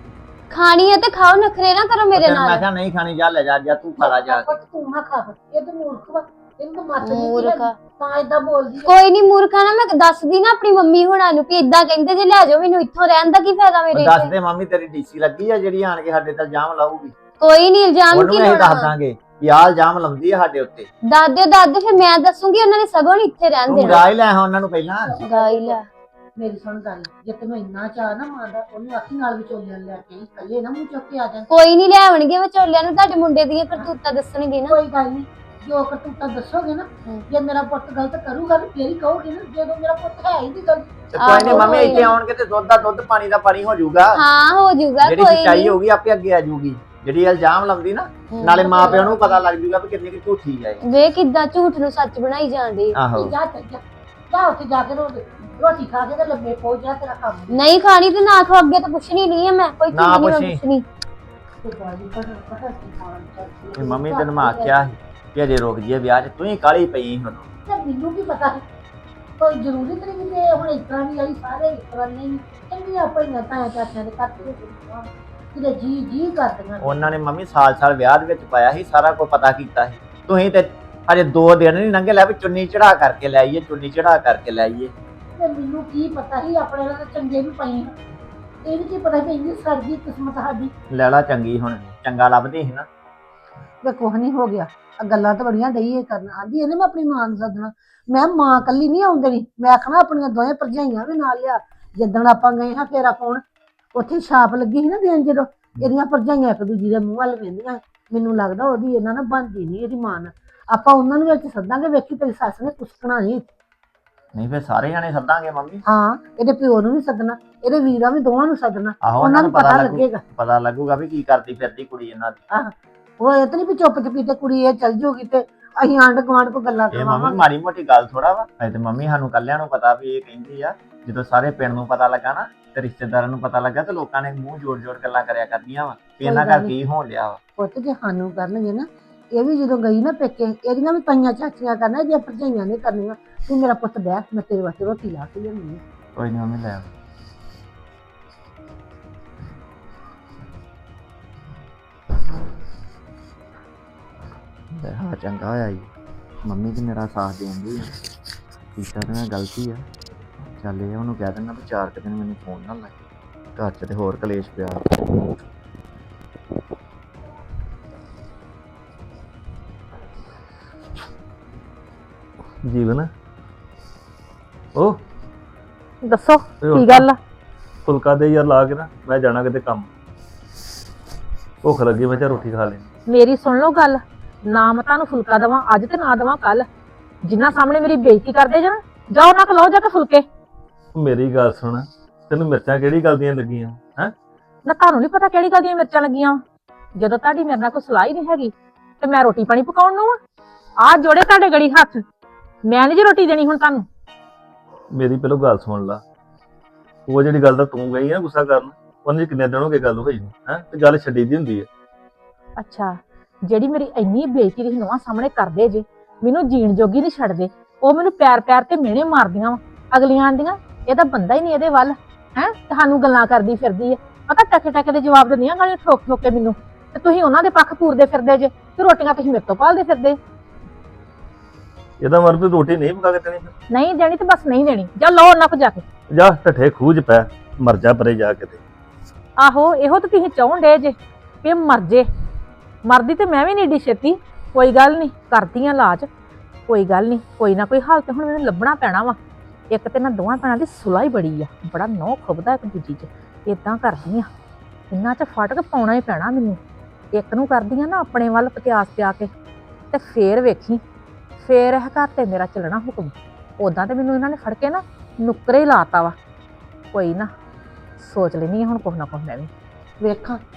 S5: ਖਾਣੀ ਹੈ ਤੇ ਖਾਓ, ਨਖਰੇ ਨਾ ਕਰੋ ਮੇਰੇ
S6: ਤੈਨੂੰ ਮੈਂ
S5: ਨਾਲ।
S6: ਕਿਹਾ ਨਹੀਂ ਖਾਣੀ, ਜਾ ਲੈ ਜਾ ਜਾ ਤੂੰ ਖਾ ਲਾ ਜਾ ਕੇ।
S1: ਪੁੱਤ ਤੂੰ ਨਾ ਖਾ ਫਿਰ, ਇਹ ਤਾਂ ਮੂਰਖ ਵਾ, ਇਹਨੂੰ ਤਾਂ ਮੱਤ ਨਹੀਂ
S5: ਮੂਰਖ।
S1: ਤਾਂ ਏਦਾਂ ਬੋਲਦੀ ਆ।
S5: ਕੋਈ ਨਹੀਂ ਮੂਰਖਾ ਨਾ, ਮੈਂ ਦੱਸਦੀ ਨਾ ਆਪਣੀ ਮੰਮੀ ਹੁਣਾਂ ਨੂੰ ਕਿ ਇਦਾਂ ਕਹਿੰਦੇ ਜੇ ਲੈ ਜਾਓ ਮੈਨੂੰ ਇੱਥੋਂ, ਰਹਿਣ ਦਾ ਕੀ ਫਾਇਦਾ ਮੇਰੇ
S6: ਦੱਸ
S5: ਇੱਥੇ।
S6: ਦੇ ਮੰਮੀ ਤੇਰੀ ਡੀਸੀ ਲੱਗੀ ਆ ਜਿਹੜੀ ਆਣ ਕੇ ਸਾਡੇ ਤੇ ਇਲਜ਼ਾਮ ਲਾਊਗੀ।
S5: ਕੋਈ ਨਹੀਂ ਇਲਜ਼ਾਮ
S6: ਉਹਨੂੰ
S5: ਕੀ
S6: ਵੀ ਅਸੀਂ ਦੱਸ
S5: ਲਾਉਣਾ।
S6: ਦਾਂਗੇ ਵੀ ਆਹ ਇਲਜ਼ਾਮ ਲਾਉਂਦੀ ਆ ਸਾਡੇ ਉੱਤੇ।
S5: ਦਾਦੇ ਦਾਦੇ ਫਿਰ ਮੈਂ ਦੱਸੂਗੀ, ਉਹਨਾਂ ਨੇ ਸਗੋਂ ਨੀ ਇੱਥੇ ਰਹਿਣ
S6: ਤੂੰ
S5: ਦੇਣਾ।
S6: ਗਾ ਹੀ ਲੈ ਆ ਉਹਨਾਂ ਨੂੰ ਪਹਿਲਾਂ।
S5: ਗਾਈ ਲੈ
S1: ਮੇਰੀ ਸੁਣ ਗੱਲ, ਜੇ ਤੈਨੂੰ ਇੰਨਾ ਚਾਹ ਨਾ ਮਾਂ ਦਾ, ਉਹਨੂੰ ਆਖੀ ਨਾਲ ਵਿਚੋਲਿਆਂ ਨੂੰ ਲੈ ਕੇ ਆਈ, ਇਕੱਲੇ ਨਾ ਮੂੰਹ ਚੁੱਕ ਕੇ ਆ ਜਾਣ।
S5: ਕੋਈ ਨਹੀਂ ਲਿਆਵਣਗੇ ਵਿਚੋਲਿਆਂ ਨੂੰ, ਤੁਹਾਡੇ ਮੁੰਡੇ ਦੀਆਂ ਕਰਤੂਤਾਂ ਦੱਸਣਗੇ ਨਾ।
S1: ਕੋਈ ਗੱਲ ਨਹੀਂ, ਜੋ ਕਰਤੂਤਾਂ ਦੱਸੋਗੇ ਨਾ, ਜੇ ਮੇਰਾ ਪੁੱਤ ਗਲਤ ਕਰੂਗਾ ਤੇ ਫੇਰ ਹੀ ਕਹੋਗੇ ਨਾ, ਜਦੋਂ ਮੇਰਾ ਪੁੱਤ ਹੈ ਹੀ ਨਹੀਂ ਗਲਤ।
S6: ਤੇ ਕੋਈ ਨਹੀਂ
S5: ਆਹੋ,
S6: ਮੰਮੀ
S5: ਕੋਈ
S6: ਇੱਥੇ
S5: ਨੀ।
S6: ਆਉਣਗੇ ਤੇ ਦੁੱਧ ਦਾ ਦੁੱਧ ਪਾਣੀ ਦਾ ਪਾਣੀ ਹੋ ਜਾਊਗਾ।
S5: ਹਾਂ ਹੋ ਜਾਊਗਾ,
S6: ਜਿਹੜੀ
S5: ਕੋਈ
S6: ਸੱਚਾਈ
S5: ਨਹੀਂ।
S6: ਹੋਊਗੀ ਆਪੇ ਅੱਗੇ ਆ ਜਾਊਗੀ। ਜਿਹੜੀ ਇਲਜ਼ਾਮ ਲਾਉਂਦੀ ਨਾ, ਨਾਲੇ ਮਾਂ ਪਿਓ ਨੂੰ ਪਤਾ ਲੱਗ ਜਾਊਗਾ ਵੀ ਕਿੰਨੀ ਕਿ ਝੂਠੀ ਹੈ ਇਹ।
S5: ਵੇ ਕਿੱਦਾਂ ਝੂਠ ਨੂੰ ਸੱਚ ਬਣਾਈ ਜਾਂਦੇ।
S6: ਆਹੋ
S1: ਜਾ ਚੱਲ ਜਾ, ਜਾ ਉੱਥੇ ਜਾ ਕੇ ਰੋ- ਰੋਟੀ ਖਾ ਕੇ ਤੇ ਲੰਮੇ ਪਹੁੰਚ ਜਾ, ਤੇਰਾ ਕੰਮ
S5: ਨਹੀਂ ਖਾਣੀ ਤੇ ਨਾ ਖਾਓ, ਅੱਗੇ ਤਾਂ ਪੁੱਛਣੀ ਨਹੀਂ ਹੈ ਮੈਂ, ਕੋਈ ਚੀਜ਼
S6: ਨਾ
S5: ਨਹੀਂ ਮੈਂ
S6: ਪੁੱਛੀ।
S5: ਪੁੱਛਣੀ।
S1: ਤੇ ਬਾਜੀ ਪਤਾ ਪਤਾ ਕੀ ਖਾਣ ਚੱਲ
S6: ਤੇ ਮੰਮੀ ਤੈਨੂੰ ਮੈਂ ਆਖਿਆ ਸੀ ਕਿ ਅਜੇ ਰੁਕ ਜੀਏ ਵਿਆਹ 'ਚ, ਤੂੰ ਹੀ ਕਾਹਲੀ ਪਈ ਹੁਣ।
S1: ਤੇ ਮੈਨੂੰ ਕੀ ਪਤਾ ਹੈ, ਕੋਈ ਜ਼ਰੂਰੀ ਤੇ ਨਹੀਂ ਕਿ ਹੁਣ ਇਸ ਤਰ੍ਹਾਂ ਵੀ ਆਈ, ਸਾਰੇ ਇਸ ਤਰ੍ਹਾਂ ਨਹੀਂ ਚੰਗੀ ਆਪਾਂ ਹੀ ਤਾਂ ਚਾਚਿਆਂ ਦੇ ਘਰ ਤੇ ਕਿਤੇ ਜੀ ਜੀ ਕਰਦੀਆਂ।
S6: ਉਹਨਾਂ ਨੇ ਮੰਮੀ ਸਾਲ ਸਾਲ ਵਿਆਹ ਦੇ ਵਿੱਚ ਪਾਇਆ ਸੀ, ਸਾਰਾ ਕੁਝ ਪਤਾ ਕੀਤਾ ਸੀ। ਤੁਸੀਂ ਤੇ ਹਜੇ ਦੋ ਦਿਨ ਨਹੀਂ ਲੰਘੇ ਲੈ ਵੀ ਚੁੰਨੀ ਚੜਾ ਕਰਕੇ ਲੈ ਆਈਏ, ਚੁੰਨੀ ਚੜਾ ਕਰਕੇ ਲੈ ਆਈਏ।
S1: ਤੇ ਮੈਨੂੰ ਕੀ ਪਤਾ ਸੀ, ਆਪਣੇ ਨਾਲ ਤਾਂ ਚੰਗੇ ਵੀ ਪਈ ਹਾਂ, ਇਹ ਵੀ ਕੀ ਪਤਾ ਸੀ ਇੰਨੀ ਸਰਦੀ ਕਿਸਮਤ ਸਾਡੀ।
S6: ਲੈ ਲਾ ਚੰਗੀ ਹੁਣ, ਚੰਗਾ ਲੱਭਦੀ ਸੀ ਨਾ।
S1: ਵੇ ਕੁਛ ਨਹੀਂ ਹੋ ਗਿਆ, ਆ ਗੱਲਾਂ ਤਾਂ ਬੜੀਆਂ ਡਈ ਇਹ ਕਰਨ। ਆਂਦੀ ਇਹਨੇ ਮੈਂ ਆਪਣੀ ਮਾਂ ਨੂੰ ਸੱਦਣਾ, ਮੈਂ ਮਾਂ ਕੱਲੀ ਨਹੀਂ ਆਉਂਦੇ ਨਹੀਂ, ਮੈਂ ਆਖਣਾ ਆਪਣੀਆਂ ਦੋਵੇਂ ਭਰਜਾਈਆਂ ਵੀ ਨਾਲ ਲਿਆ। ਜਿੱਦਣ ਆਪਾਂ ਗਏ ਹਾਂ ਫੇਰਾ ਪਾਉਣ, ਉੱਥੇ ਛਾਪ ਲੱਗੀ ਸੀ ਨਾ ਦੇਣ, ਜਦੋਂ ਇਹਦੀਆਂ ਭਰਜਾਈਆਂ ਇੱਕ ਦੂਜੀ ਦੇ ਮੂੰਹ ਵੱਲ ਵੇਂਦੀਆਂ, ਮੈਨੂੰ ਲੱਗਦਾ ਉਹਦੀ ਇਹਨਾਂ ਨਾਲ ਬਣਦੀ ਨਹੀਂ ਇਹਦੀ ਮਾਂ ਨਾਲ। ਆਪਾਂ ਉਹਨਾਂ ਨੂੰ ਵਿੱਚ ਸੱਦਾਂਗੇ, ਵੇਖੀ ਤੇਰੀ ਸੱਸ ਨੇ ਕੁਸਕਣਾ ਨਹੀਂ।
S6: ਨਹੀਂ ਫਿਰ ਸਾਰੇ ਜਾਣੇ ਸੱਦਾਂਗੇ ਮੰਮੀ।
S1: ਹਾਂ, ਇਹਦੇ ਪਿਓ ਨੂੰ ਵੀ ਸੱਦਣਾ, ਇਹਦੇ ਵੀਰਾਂ ਵੀ ਦੋਵਾਂ ਨੂੰ ਸੱਦਣਾ,
S6: ਆਹੋ
S1: ਉਹਨਾਂ ਨੂੰ ਪਤਾ
S6: ਲੱਗੂ-
S1: ਲੱਗੇਗਾ।
S6: ਪਤਾ ਲੱਗੂਗਾ ਵੀ ਕੀ ਕਰਦੀ ਫਿਰਦੀ ਕੁੜੀ ਇਹਨਾਂ ਦੀ।
S1: ਆਹ ਉਹ ਇਹ ਤਾਂ ਨਹੀਂ ਵੀ ਚੁੱਪ ਚਪੀਤੇ ਕੁੜੀ ਇਹ ਚੱਲ ਜੂਗੀ ਤੇ ਅਸੀਂ ਆਂਢ ਗੁਆਂਢ ਕੋ ਗੱਲਾਂ
S6: ਇਹ ਮੰਮੀ
S1: ਕਰਵਾਵਾਂਗੇ।
S6: ਮਾੜੀ ਮੋਟੀ ਗੱਲ ਥੋੜਾ ਵਾ। ਅਜੇ ਤੇ ਮੰਮੀ ਸਾਨੂੰ ਕੱਲਿਆਂ ਨੂੰ ਪਤਾ ਵੀ ਇਹ ਕਹਿੰਦੀ ਆ। ਜਦੋਂ ਸਾਰੇ ਪਿੰਡ ਨੂੰ ਪਤਾ ਲੱਗਾ ਨਾ ਤੇ ਰਿਸ਼ਤੇਦਾਰਾਂ ਨੂੰ ਪਤਾ ਲੱਗਾ ਤੇ ਲੋਕਾਂ ਨੇ ਮੂੰਹ ਜੋੜ ਜੋੜ ਗੱਲਾਂ ਕਰਿਆ ਕਰਦੀਆਂ ਵਾ ਵੀ ਇਹਨਾਂ ਘਰ ਕੀ ਹੋਣ ਲਿਆ ਵਾ।
S1: ਪੁੱਤ ਜੇ ਸਾਨੂੰ ਕਰਨਗੇ ਨਾ, ਇਹ ਵੀ ਜਦੋਂ ਗਈ ਨਾ ਪੇਕੇ, ਇਹਦੀਆਂ ਵੀ ਤਾਈਆਂ ਚਾਚੀਆਂ ਕਰਨਾ, ਇਹਦੀਆਂ ਭਰਜਾਈਆਂ ਨੇ ਕਰਨੀਆਂ। ਤੂੰ ਮੇਰਾ ਪੁੱਤ ਬਹਿ, ਮੈਂ ਤੇਰੇ ਵਾਸਤੇ ਰੋਟੀ ਲਾ ਕੇ ਲਿਆਉਣੀ ਆ।
S6: ਕੋਈ ਨਹੀਂ ਮੰਮੀ ਲੈ ਆਓ। ਲੈ ਹਾਂ ਚੰਗਾ ਹੋਇਆ ਜੀ, ਮੰਮੀ ਤੇ ਮੇਰਾ ਸਾਥ ਦੇਂਦੀ ਆ। ਕੀਤਾ ਤੇ ਮੈਂ ਗਲਤੀ ਆ। ਚੱਲ ਇਹ ਉਹਨੂੰ ਕਹਿ ਦਿੰਦਾ ਵੀ ਚਾਰ ਕੁ ਦਿਨ ਮੈਨੂੰ ਫੋਨ ਨਾ ਲਾਏ, ਘਰ 'ਚ ਤੇ ਹੋਰ ਕਲੇਸ਼ ਪਿਆ। ਜੀਵਨ ਉਹ
S7: ਦੱਸੋ ਕੀ ਗੱਲ ਆ?
S8: ਫੁਲਕਾ ਦੇ ਯਾਰ ਲਾ ਕੇ ਨਾ, ਮੈਂ ਜਾਣਾ ਕਿਤੇ ਕੰਮ। ਭੁੱਖ ਲੱਗੀ, ਮੈਂ ਚਾ ਰੋਟੀ ਖਾ ਲੈਣੀ।
S7: ਮੇਰੀ ਸੁਣ ਲਓ ਗੱਲ, ਨਾ ਮੈਂ ਤੁਹਾਨੂੰ ਫੁਲਕਾ ਦੇਵਾਂ ਅੱਜ ਤੇ ਨਾ ਦੇਵਾਂ ਕੱਲ। ਜਿੰਨਾ ਸਾਹਮਣੇ ਮੇਰੀ ਬੇਇੱਜ਼ਤੀ ਕਰਦੇ ਜੇ ਨਾ, ਜਾਓ ਨਾ ਖਲਾਓ ਜਾ ਕੇ ਫੁਲਕੇ।
S8: ਮੇਰੀ ਗੱਲ ਸੁਣ, ਤੈਨੂੰ ਮਿਰਚਾਂ ਕਿਹੜੀ ਗੱਲ ਦੀਆਂ ਲੱਗੀਆਂ ਹੈ?
S7: ਨਾ ਤੁਹਾਨੂੰ ਨਹੀਂ ਪਤਾ ਕਿਹੜੀ ਗੱਲ ਦੀਆਂ ਮਿਰਚਾਂ ਲੱਗੀਆਂ। ਜਦੋਂ ਤੁਹਾਡੀ ਮੇਰੇ ਨਾਲ ਕੋਈ ਸਲਾਹ ਹੀ ਨਹੀਂ ਹੈਗੀ ਤੇ ਮੈਂ ਰੋਟੀ ਪਾਣੀ ਪਕਾਉਣ ਨੂੰ ਆ ਆਹ ਜੋੜੇ ਤੁਹਾਡੇ ਗੜੀ ਹੱਥ। ਮੈਂ ਨਹੀਂ ਜੀ ਰੋਟੀ ਦੇਣੀ ਹੁਣ ਤੁਹਾਨੂੰ।
S8: ਮੇਰੀ ਪਹਿਲਾਂ ਗੱਲ ਸੁਣ ਲਾ। ਉਹ ਜਿਹੜੀ ਗੱਲ ਦਾ ਤੂੰ ਗਈ ਆ ਗੁੱਸਾ ਕਰਨ, ਉਹਨੇ ਕਿੰਨੇ ਦਿਨ ਹੋ ਗਏ ਗੱਲ ਹੋਈ ਹੈ, ਤੇ ਗੱਲ ਛੱਡੀ ਦੀ ਹੁੰਦੀ ਹੈ।
S7: ਅੱਛਾ, ਜਿਹੜੀ ਮੇਰੀ ਇੰਨੀ ਬੇਇੱਜ਼ਤੀ ਤੁਸੀਂ ਨਵਾਂ ਸਾਹਮਣੇ ਕਰਦੇ ਜੇ, ਮੈਨੂੰ ਜੀਣ ਜੋਗੀ ਨਹੀਂ ਛੱਡਦੇ। ਉਹ ਮੈਨੂੰ ਪਿਆਰ ਪਿਆਰ ਤੇ ਮਿਹਣੇ ਮਾਰਦੀਆਂ ਵਾ ਅਗਲੀਆਂ ਆਂਦੀਆਂ, ਇਹਦਾ ਬੰਦਾ ਹੀ ਨਹੀਂ ਇਹਦੇ ਵੱਲ ਹੈ, ਤੁਹਾਨੂੰ ਗੱਲਾਂ ਕਰਦੀ ਫਿਰਦੀ ਹੈ। ਪਤਾ ਟਕੇ ਟਕੇ ਦੇ ਜਵਾਬ ਦਿੰਦੀਆਂ ਗਾਲੀਆਂ ਠੋਕ ਠੋਕ ਕੇ ਮੈਨੂੰ, ਤੇ ਤੁਸੀਂ ਉਹਨਾਂ ਦੇ ਪੱਖ ਪੂਰਦੇ ਫਿਰਦੇ ਜੇ, ਤੇ ਰੋਟੀਆਂ ਤੁਸੀਂ ਮੇਰੇ ਤੋਂ ਭਾਲਦੇ ਫਿਰਦੇ।
S8: ਇਹਦਾ ਮਰ ਵੀ ਰੋਟੀ ਨਹੀਂ ਪਕਾ ਕੇ ਦੇਣੀ ਫਿਰ।
S7: ਨਹੀਂ ਦੇਣੀ ਤੇ ਬਸ ਨਹੀਂ ਦੇਣੀ, ਜਾ ਲਓ ਉਹਨਾਂ ਕੋ ਜਾ ਕੇ।
S8: ਜਾ ਢੱਠੇ ਖੂਜ ਪੈ, ਮਰ ਜਾ ਪਰੇ ਜਾ ਕੇ ਤੇ।
S7: ਆਹੋ ਇਹੋ ਤਾਂ ਤੁਸੀਂ ਚਾਹੁਣ ਡੇ ਜੇ ਕਿ ਮਰ ਜੇ। ਮਰਦੀ ਤੇ ਮੈਂ ਵੀ ਨਹੀਂ ਏਡੀ ਛੇਤੀ। ਕੋਈ ਗੱਲ ਨਹੀਂ, ਕਰਦੀ ਆ ਇਲਾਜ, ਕੋਈ ਗੱਲ ਨਹੀਂ, ਕੋਈ ਨਾ ਕੋਈ ਹਾਲ ਤੇ ਹੁਣ ਮੈਨੂੰ ਲੱਭਣਾ ਪੈਣਾ ਵਾ। ਇੱਕ ਤੇ ਨਾ ਦੋਵਾਂ ਭੈਣਾਂ ਦੀ ਸੁਲਾਹ ਹੀ ਬੜੀ ਆ, ਬੜਾ ਨਹੁੰ ਖੁੱਬਦਾ ਇੱਕ ਦੂਜੀ 'ਚ। ਇਦਾਂ ਕਰਦੀ ਆ, ਇਹਨਾਂ 'ਚ ਫਟ ਕੇ ਪਾਉਣਾ ਹੀ ਪੈਣਾ ਮੈਨੂੰ। ਇੱਕ ਨੂੰ ਕਰਦੀ ਆ ਨਾ ਆਪਣੇ ਵੱਲ ਪਤਿਆਸ ਪਿਆ ਕੇ, ਤੇ ਫੇਰ ਵੇਖੀ, ਫੇਰ ਇਹ ਘਰ ਤੇ ਮੇਰਾ ਚੱਲਣਾ ਹੁਕਮ। ਉਦਾਂ ਤੇ ਮੈਨੂੰ ਇਹਨਾਂ ਨੇ ਫੜ ਕੇ ਨਾ ਨੁੱਕਰੇ ਹੀ ਲਾਤਾ ਵਾ। ਕੋਈ ਨਾ, ਸੋਚ ਲੈਣੀ ਹੁਣ ਕੁਛ ਨਾ ਕੁਛ ਮੈਂ ਵੀ।
S1: ਵੇਖਾਂ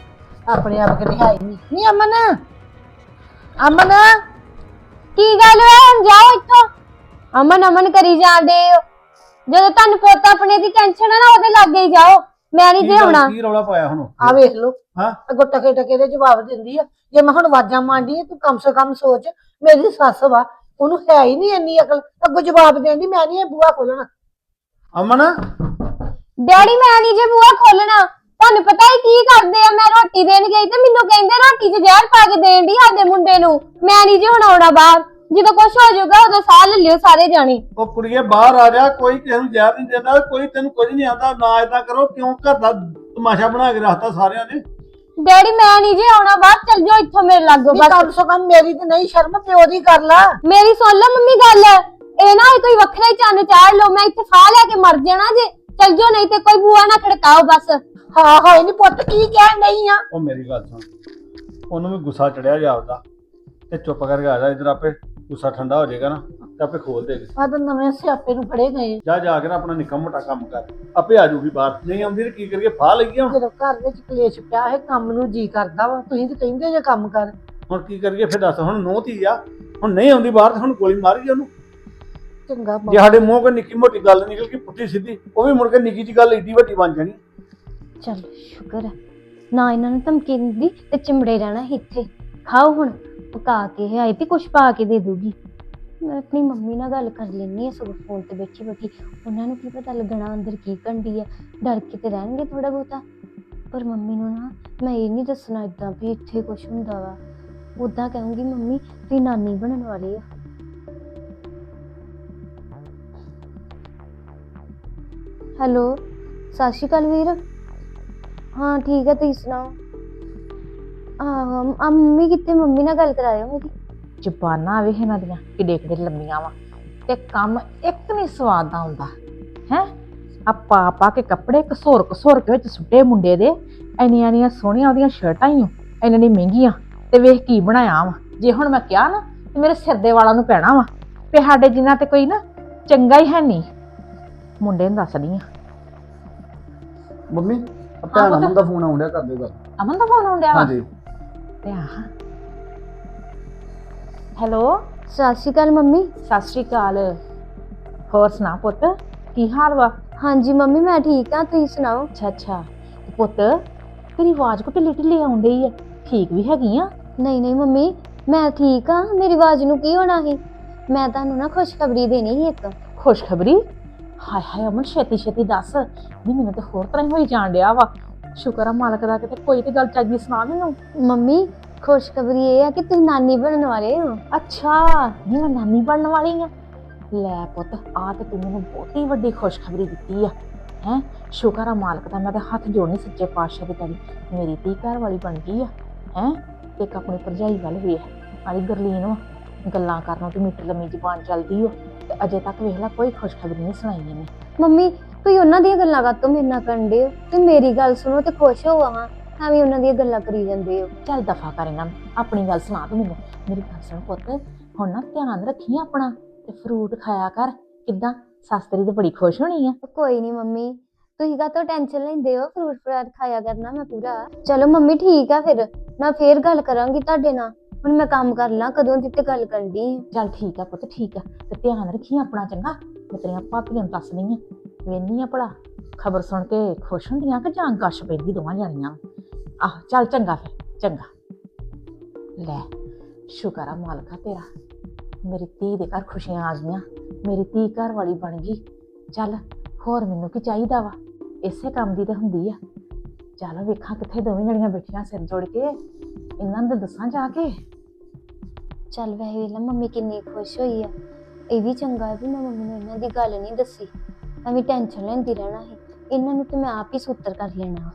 S1: ਆਪਣੇ ਆਪ ਕਿਤੇ ਹੈ ਹੀ ਨਹੀਂ ਨਹੀਂ ਅਮਨ ਅਮਨ
S5: ਕੀ ਗੱਲ ਹੋਇਆ ਹੁਣ ਜਾਓ ਇੱਥੋਂ। ਅਮਨ ਅਮਨ ਕਰੀ ਜਾਂਦੇ ਹੋ। ਜਦੋਂ ਤੁਹਾਨੂੰ ਪੁੱਤ ਆਪਣੇ ਦੀ ਟੈਨਸ਼ਨ ਹੈ ਨਾ ਉਹਦੇ ਲਾਗੇ ਹੀ ਜਾਓ। ਮੈਂ ਨਹੀਂ
S2: ਕੀ
S5: ਜੇ
S2: ਗੱਲ-
S5: ਆਉਣਾ।
S2: ਕੀ ਰੌਲਾ ਪਾਇਆ ਹੁਣ
S1: ਆ ਵੇਖ ਲੋ
S2: ਹਾਂ?
S1: ਅੱਗੋਂ ਟਕੇ ਟਕੇ ਦੇ ਜਵਾਬ ਦਿੰਦੀ ਆ। ਜੇ ਮੈਂ ਹੁਣ ਆਵਾਜ਼ਾਂ ਮਾਰਦੀ ਆ ਤੂੰ ਕਮ ਸੇ ਕਮ ਸੋਚ ਮੇਰੀ ਸੱਸ ਵਾ ਉਹਨੂੰ ਹੈ ਹੀ ਨਹੀਂ ਇੰਨੀ ਅਕਲ ਅੱਗੋਂ ਜਵਾਬ ਦੇਂਦੀ ਮੈਂ ਨਹੀਂ ਇਹ ਬੂਹਾ ਖੋਲਣਾ।
S2: ਅਮਨ
S5: ਡੈਡੀ ਮੈਂ ਨਹੀਂ ਜੇ ਬੂਹਾ ਖੋਲਣਾ। ਤੁਹਾਨੂੰ ਪਤਾ ਹੈ ਕੀ ਕਰਦੇ ਆ ਮੈਂ ਰੋਟੀ ਦੇਣ ਗਈ ਤੇ ਮੈਨੂੰ ਕਹਿੰਦੇ ਰੋਟੀ 'ਚ ਜ਼ਹਿਰ ਪਾ ਕੇ ਦੇਣ ਦੀ ਸਾਡੇ ਮੁੰਡੇ ਨੂੰ। ਮੈਂ ਨਹੀਂ ਜੇ ਹੁਣ ਆਉਣਾ ਬਾਹਰ। ਜਦੋਂ ਕੁਛ ਹੋ ਜਾਊਗਾ ਉਦੋਂ ਸਾਹ ਲੈ ਲਿਓ ਸਾਰੇ ਜਾਣੇ।
S2: ਉਹ ਕੁੜੀਏ ਬਾਹਰ ਆ ਜਾ ਕੋਈ ਕਿਸੇ ਨੂੰ ਜ਼ਹਿਰ ਨਹੀਂ ਦਿੰਦਾ ਕੋਈ ਤੈਨੂੰ ਕੁਝ ਨਹੀਂ ਆਉਂਦਾ ਨਾ ਏਦਾਂ ਕਰੋ ਕਿਉਂ ਘਰ ਦਾ ਤਮਾਸ਼ਾ ਬਣਾ ਕੇ ਰੱਖਤਾ ਸਾਰਿਆਂ ਨੇ।
S5: ਡੈਡੀ ਮੈਂ ਨਹੀਂ ਜੇ ਆਉਣਾ ਬਾਹਰ ਚੱਲ ਜਾਓ ਇੱਥੋਂ ਮੇਰੇ ਲਾਗੋਂ
S1: ਨਹੀਂ
S5: ਬਸ।
S1: ਕਮ ਸੇ ਕਮ ਮੇਰੀ ਤੇ ਨਹੀਂ ਸ਼ਰਮ ਪਿਓ ਦੀ ਕਰ ਲਾ।
S5: ਮੇਰੀ ਸੁਣ ਲਓ ਮੰਮੀ ਗੱਲ। ਇਹ ਨਾ ਹੋਏ ਕੋਈ ਵੱਖਰਾ ਹੀ ਚੰਨ ਚਾੜ ਲਓ ਮੈਂ ਇੱਥੇ ਫਾਹ ਲੈ ਕੇ ਮਰ ਜਾਣਾ ਜੇ। ਚੱਲ ਜਾਓ ਨਹੀਂ ਤੇ ਕੋਈ ਬੂਆ ਨਾ ਖੜਕਾਓ ਬਸ।
S1: ਹਾਂ ਹਾਂ ਨਹੀਂ ਪੁੱਤ ਕੀ ਕਹਿਣ ਨਹੀਂ ਆ।
S2: ਉਹ ਮੇਰੀ ਗੱਲ ਸੁਣ ਉਹਨੂੰ ਵੀ ਗੁੱਸਾ ਚੜਿਆ ਜਾਪਦਾ ਤੇ ਚੁੱਪ ਕਰਕੇ ਆ ਜਾ ਇਧਰ ਆਪੇ ਗੁੱਸਾ ਠੰਡਾ ਹੋ ਜਾਏਗਾ ਨਾ ਤੇ ਆਪੇ ਖੋਲ ਦੇਗੀ।
S1: ਆ ਤਾਂ ਨਵੇਂ ਸਿਆਪੇ ਨੂੰ ਫੜੇ ਗਏ
S2: ਜਾ ਜਾ ਕੇ ਨਾ ਆਪਣਾ ਨਿੱਕਾ ਮੋਟਾ ਕੰਮ ਕਰ ਆਪੇ ਆ ਜੂਗੀ ਬਾਹਰ ਨਹੀਂ ਆਉਂਦੀ ਤੇ ਕੀ ਕਰੀਏ ਫਾਹ ਲਈਏ ਹੁਣ।
S1: ਜਦੋਂ ਘਰ ਵਿੱਚ ਕਲੇਸ਼ ਪਿਆ ਹੈ ਕੰਮ ਨੂੰ ਜੀ ਕਰਦਾ ਵਾ ਤੁਸੀਂ ਤੇ ਕਹਿੰਦੇ ਜੇ ਕੰਮ ਕਰ।
S2: ਹੁਣ ਕੀ ਕਰੀਏ ਫਿਰ ਦੱਸ ਹੁਣ ਨੋਹ ਧੀ ਆ ਹੁਣ ਨਹੀਂ ਆਉਂਦੀ ਬਾਹਰ ਤੇ ਹੁਣ ਗੋਲੀ ਮਾਰੀ ਉਹਨੂੰ।
S1: ਚੰਗਾ
S2: ਜੇ ਸਾਡੇ ਮੂੰਹ ਕੋਈ ਨਿੱਕੀ ਮੋਟੀ ਗੱਲ ਨਿਕਲ ਗਈ ਪੁੱਠੀ ਸਿੱਧੀ ਉਹ ਵੀ ਮੁੜ ਕੇ ਨਿੱਕੀ ਜੀ ਗੱਲ ਏਡੀ ਵੱਡੀ ਬਣ ਜਾਣੀ।
S5: ਚੱਲ ਸ਼ੁਕਰ ਹੈ ਨਾ ਇਹਨਾਂ ਨੂੰ ਧਮਕੀ ਦਿੰਦੀ ਤੇ ਚਿਮੜੇ ਰਹਿਣਾ ਸੀ ਇੱਥੇ। ਖਾਓ ਹੁਣ ਪਕਾ ਕੇ ਆਈ ਤੇ ਕੁਛ ਪਾ ਕੇ ਦੇ ਦੂਗੀ। ਮੈਂ ਆਪਣੀ ਮੰਮੀ ਨਾਲ ਗੱਲ ਕਰ ਲੈਣੀ ਆ ਸਗੋਂ ਫੋਨ ਤੇ ਬੈਠੀ ਬੈਠੀ। ਉਹਨਾਂ ਨੂੰ ਕੀ ਪਤਾ ਲੱਗਣਾ ਅੰਦਰ ਕੀ ਘੰਡੀ ਆ। ਡਰ ਕੇ ਤੇ ਰਹਿਣਗੇ ਥੋੜਾ ਬਹੁਤਾ ਪਰ ਮੰਮੀ ਨੂੰ ਨਾ ਮੈਂ ਇਹ ਨਹੀਂ ਦੱਸਣਾ ਏਦਾਂ ਵੀ ਇੱਥੇ ਕੁਛ ਹੁੰਦਾ ਵਾ। ਉਦਾਂ ਕਹੂੰਗੀ ਮੰਮੀ ਤੁਸੀਂ ਨਾਨੀ ਬਣਨ ਵਾਲੇ ਆ। ਹੈਲੋ ਸਤਿ ਸ਼੍ਰੀ ਅਕਾਲ ਵੀਰ। ਹਾਂ ਠੀਕ ਹੈ ਤੁਸੀਂ ਸੁਣਾਓ। ਆਹੋ ਆ ਮੰਮੀ ਕਿੱਥੇ ਮੰਮੀ ਨਾਲ ਗੱਲ ਕਰਾਇਓ ਮੇਰੀ।
S7: ਜ਼ਬਾਨਾਂ ਵੇਖ ਇਹਨਾਂ ਦੀਆਂ ਕਿੱਡੇ ਕਿੱਡੇ ਲੰਮੀਆਂ ਵਾ ਤੇ ਕੰਮ ਇੱਕ ਨਹੀਂ ਸਵਾਦ ਦਾ ਹੁੰਦਾ ਹੈ। ਆ ਪਾ ਪਾ ਕੇ ਕੱਪੜੇ ਘਸੋਰ ਘਸੋਰ ਕੇ ਵਿੱਚ ਸੁੱਟੇ ਮੁੰਡੇ ਦੇ। ਇੰਨੀਆਂ ਇੰਨੀਆਂ ਸੋਹਣੀਆਂ ਉਹਦੀਆਂ ਸ਼ਰਟਾਂ ਹੀ ਇੰਨੀਆਂ ਇੰਨੀਆਂ ਮਹਿੰਗੀਆਂ ਤੇ ਵੇਖ ਕੀ ਬਣਾਇਆ ਵਾ। ਜੇ ਹੁਣ ਮੈਂ ਕਿਹਾ ਨਾ ਤੇ ਮੇਰੇ ਸਿਰ ਦੇ ਵਾਲਾਂ ਨੂੰ ਪੈਣਾ ਵਾ ਤੇ ਸਾਡੇ ਜਿੰਨਾ ਤੇ ਕੋਈ ਨਾ ਚੰਗਾ ਹੀ ਹੈ ਨਹੀਂ। ਮੁੰਡੇ ਨੂੰ ਦੱਸਦੀ ਆ।
S2: ਮੰਮੀ ਭੈਣ ਅਮਨ ਦਾ ਫੋਨ ਆਉਂਦਿਆ ਕਰ ਦਿਓ ਗੱਲ।
S7: ਅਮਨ ਦਾ ਫੋਨ ਆਉਂਦਿਆ ਵਾ।
S2: ਹਾਂਜੀ
S7: ਤੇ ਆ ਹੈਲੋ
S5: ਸਤਿ ਸ਼੍ਰੀ ਅਕਾਲ ਮੰਮੀ।
S7: ਸਤਿ ਸ਼੍ਰੀ ਅਕਾਲ। ਹੋਰ ਸੁਣਾ ਪੁੱਤ ਕੀ ਹਾਲ ਵਾ?
S5: ਹਾਂਜੀ ਮੰਮੀ ਮੈਂ ਠੀਕ ਆ ਤੁਸੀਂ ਸੁਣਾਓ।
S7: ਅੱਛਾ ਅੱਛਾ ਪੁੱਤ ਤੇਰੀ ਆਵਾਜ਼ ਕੋ ਢਿੱਲੀ ਢਿੱਲੀ ਆਉਣ ਡਈ ਆ। ਠੀਕ ਵੀ ਹੈਗੀ ਆ?
S5: ਨਹੀਂ ਨਹੀਂ ਮੰਮੀ ਮੈਂ ਠੀਕ ਆ। ਮੇਰੀ ਆਵਾਜ਼ ਨੂੰ ਕੀ ਹੋਣਾ ਸੀ। ਮੈਂ ਤੁਹਾਨੂੰ ਨਾ ਖੁਸ਼ਖਬਰੀ ਦੇਣੀ ਸੀ ਇੱਕ।
S7: ਖੁਸ਼ਖਬਰੀ? ਹਾਏ ਹਾਏ ਅਮਨ ਛੇਤੀ ਛੇਤੀ ਦੱਸ। ਨਹੀਂ ਮੈਨੂੰ ਤੇ ਹੋਰ ਤਰ੍ਹਾਂ ਹੀ ਹੋਈ ਜਾਣ ਡਿਆ ਵਾ। ਸ਼ੁਕਰ ਆ ਮਾਲਕ ਦਾ ਕਿਤੇ ਕੋਈ ਤੇ ਗੱਲ ਚੱਜੀ ਸੁਣਾ ਮੈਨੂੰ।
S5: ਮੰਮੀ ਖੁਸ਼ਖਬਰੀ ਇਹ ਆ ਕਿ ਤੁਸੀਂ ਨਾਨੀ ਬਣਨ ਵਾਲੇ ਹੋ।
S7: ਅੱਛਾ ਨਹੀਂ ਮੈਂ ਨਾਨੀ ਬਣਨ ਵਾਲੀ ਆ। ਲੈ ਪੁੱਤ ਆ ਤੇ ਤੂੰ ਮੈਨੂੰ ਬਹੁਤੀ ਵੱਡੀ ਖੁਸ਼ਖਬਰੀ ਦਿੱਤੀ ਆ ਹੈ। ਸ਼ੁਕਰ ਆ ਮਾਲਕ ਦਾ ਮੈਂ ਤੇ ਹੱਥ ਜੋੜਨੀ ਸੱਚੇ ਪਾਤਸ਼ਾਹ ਦੇ ਤੇਰੀ। ਮੇਰੀ ਧੀ ਘਰ ਵਾਲੀ ਬਣ ਗਈ ਆ ਹੈ। ਤੇ ਇੱਕ ਆਪਣੀ ਭਰਜਾਈ ਵੱਲ ਵੇਖ ਆਲੀ ਗਰਲੀਨ ਵਾ ਗੱਲਾਂ ਕਰਨੋਂ ਤੇ ਮਿੱਠ ਲੰਮੀ ਜ਼ਬਾਨ ਚੱਲਦੀ ਓ ਤੇ ਅਜੇ ਤੱਕ ਵੇਖ ਲੈ ਕੋਈ ਖੁਸ਼ਖਬਰੀ ਨਹੀਂ ਸੁਣਾਈ ਇਹਨੇ।
S5: ਮੰਮੀ ਤੁਸੀਂ ਉਹਨਾਂ ਦੀਆਂ ਗੱਲਾਂ ਕਾਤੋਂ ਮੇਰੇ ਨਾਲ ਕਰਨ ਡੇ ਹੋ। ਤੇ ਮੇਰੀ ਗੱਲ ਸੁਣੋ ਤੇ ਖੁਸ਼ ਹੋਵੋ ਹਾਂ। ਐਵੇਂ ਉਹਨਾਂ ਦੀਆਂ ਗੱਲਾਂ ਕਰੀ ਜਾਂਦੇ ਹੋ।
S7: ਚੱਲ ਦਫਾ ਕਰ ਇਹਨਾਂ ਨੂੰ ਆਪਣੀ ਗੱਲ ਸੁਣਾ ਤੂੰ ਮੈਨੂੰ। ਮੇਰੀ ਗੱਲ ਸੁਣ ਪੁੱਤ ਹੁਣ ਨਾ ਧਿਆਨ ਰੱਖੀ ਆਪਣਾ ਤੇ ਫਰੂਟ ਖਾਇਆ ਕਰ। ਕਿੱਦਾਂ ਸੱਸ ਤੇਰੀ ਤੇ ਬੜੀ ਖੁਸ਼ ਹੋਣੀ ਆ।
S5: ਕੋਈ ਨਹੀਂ ਮੰਮੀ ਤੁਸੀਂ ਕਾਹਤੋਂ ਟੈਨਸ਼ਨ ਲੈਂਦੇ ਹੋ। ਫਰੂਟ ਫਰਾਟ ਖਾਇਆ ਕਰਨਾ ਮੈਂ ਪੂਰਾ। ਚਲੋ ਮੰਮੀ ਠੀਕ ਆ ਫਿਰ ਮੈਂ ਫੇਰ ਗੱਲ ਕਰਾਂਗੀ ਤੁਹਾਡੇ ਨਾਲ। ਹੁਣ ਮੈਂ ਕੰਮ ਕਰ ਲਾਂ ਕਦੋਂ ਦੀ ਤੇ ਗੱਲ ਕਰਦੀ।
S7: ਚੱਲ ਠੀਕ ਆ ਪੁੱਤ ਠੀਕ ਆ ਤੇ ਧਿਆਨ ਰੱਖੀ ਆਪਣਾ ਚੰਗਾ। ਮੈਂ ਤੇਰੀਆਂ ਭਾਪੀਆਂ ਨੂੰ ਦੱਸਦੀ ਆ ਵੇਨੀ ਆ ਭਲਾ ਖਬਰ ਸੁਣ ਕੇ ਖੁਸ਼ ਹੁੰਦੀਆਂ ਕਿ ਜਾਂ ਗਸ਼ ਪੈਂਦੀ ਦੋਵਾਂ ਜਾਣੀਆਂ। ਆਹ ਚੱਲ ਚੰਗਾ ਫਿਰ ਚੰਗਾ। ਲੈ ਸ਼ੁਕਰ ਆ ਮਾਲਕਾ ਤੇਰਾ ਮੇਰੀ ਧੀ ਦੇ ਘਰ ਖੁਸ਼ੀਆਂ ਆ ਗਈਆਂ। ਮੇਰੀ ਧੀ ਘਰ ਵਾਲੀ ਬਣ ਗਈ। ਚੱਲ ਹੋਰ ਮੈਨੂੰ ਕੀ ਚਾਹੀਦਾ ਵਾ। ਇਸੇ ਕੰਮ ਦੀ ਤਾਂ ਹੁੰਦੀ ਆ। ਚੱਲ ਵੇਖਾਂ ਕਿੱਥੇ ਦੋਵੇਂ ਜਣੀਆਂ ਬੈਠੀਆਂ ਸਿਰ ਜੋੜ ਕੇ ਇਹਨਾਂ ਨੂੰ ਦੱਸਾਂ ਜਾ ਕੇ।
S5: ਚੱਲ ਵੈਸੇ ਵੇਖ ਲਾ ਮੰਮੀ ਕਿੰਨੀ ਖੁਸ਼ ਹੋਈ ਆ। ਇਹ ਵੀ ਚੰਗਾ ਹੈ ਵੀ ਮੈਂ ਮੰਮੀ ਨੂੰ ਇਹਨਾਂ ਦੀ ਗੱਲ ਨਹੀਂ ਦੱਸੀ। ਐਵੇਂ ਟੈਨਸ਼ਨ ਲੈਂਦੀ ਰਹਿਣਾ ਸੀ। ਇਹਨਾਂ ਨੂੰ ਤੇ ਮੈਂ ਆਪ ਹੀ ਸੂਤਰ ਕਰ ਲੈਣਾ।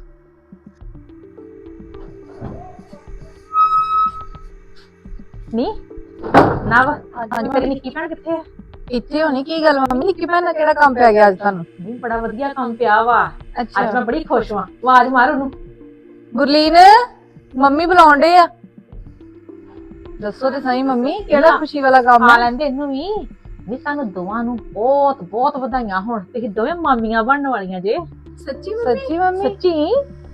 S7: ਨਹੀਂ ਨਾ ਵਾ ਹਾਂਜੀ ਮੇਰੀ ਨਿੱਕੀ ਭੈਣ ਕਿੱਥੇ ਆ?
S3: ਇੱਥੇ ਹੋਣੀ ਕੀ ਗੱਲ ਮੰਮੀ ਨਿੱਕੀ ਭੈਣ ਦਾ ਕਿਹੜਾ ਕੰਮ ਪੈ ਗਿਆ ਅੱਜ ਤੁਹਾਨੂੰ?
S7: ਨਹੀਂ ਬੜਾ ਵਧੀਆ ਕੰਮ ਪਿਆ ਵਾ। ਅੱਜ
S3: ਅੱਛਾ
S7: ਮੈਂ ਬੜੀ ਖੁਸ਼ ਵਾਂ। ਆਵਾਜ਼ ਮਾਰ ਉਹਨੂੰ।
S3: ਗੁਰਲੀਨ ਮੰਮੀ ਬੁਲਾਉਂਦੇ ਆ। ਦੱਸੋ ਤੇ ਸਹੀ ਮੰਮੀ ਕਿਹੜਾ ਖੁਸ਼ੀ ਵਾਲਾ ਕੰਮ
S7: ਆ
S3: ਹੈ?
S7: ਲੈਂਦੇ ਇਹਨੂੰ ਵੀ। ਵੀ ਸਾਨੂੰ ਦੋਵਾਂ ਨੂੰ ਬਹੁਤ ਬਹੁਤ ਵਧਾਈਆਂ ਹੋਣ। ਤੁਸੀਂ ਦੋਵੇਂ ਮਾਮੀਆਂ ਬਣਨ ਵਾਲੀਆਂ ਜੇ।
S3: ਸੱਚੀ ਮੰਮੀ? ਸੱਚੀ ਮੰਮੀ
S7: ਸੱਚੀ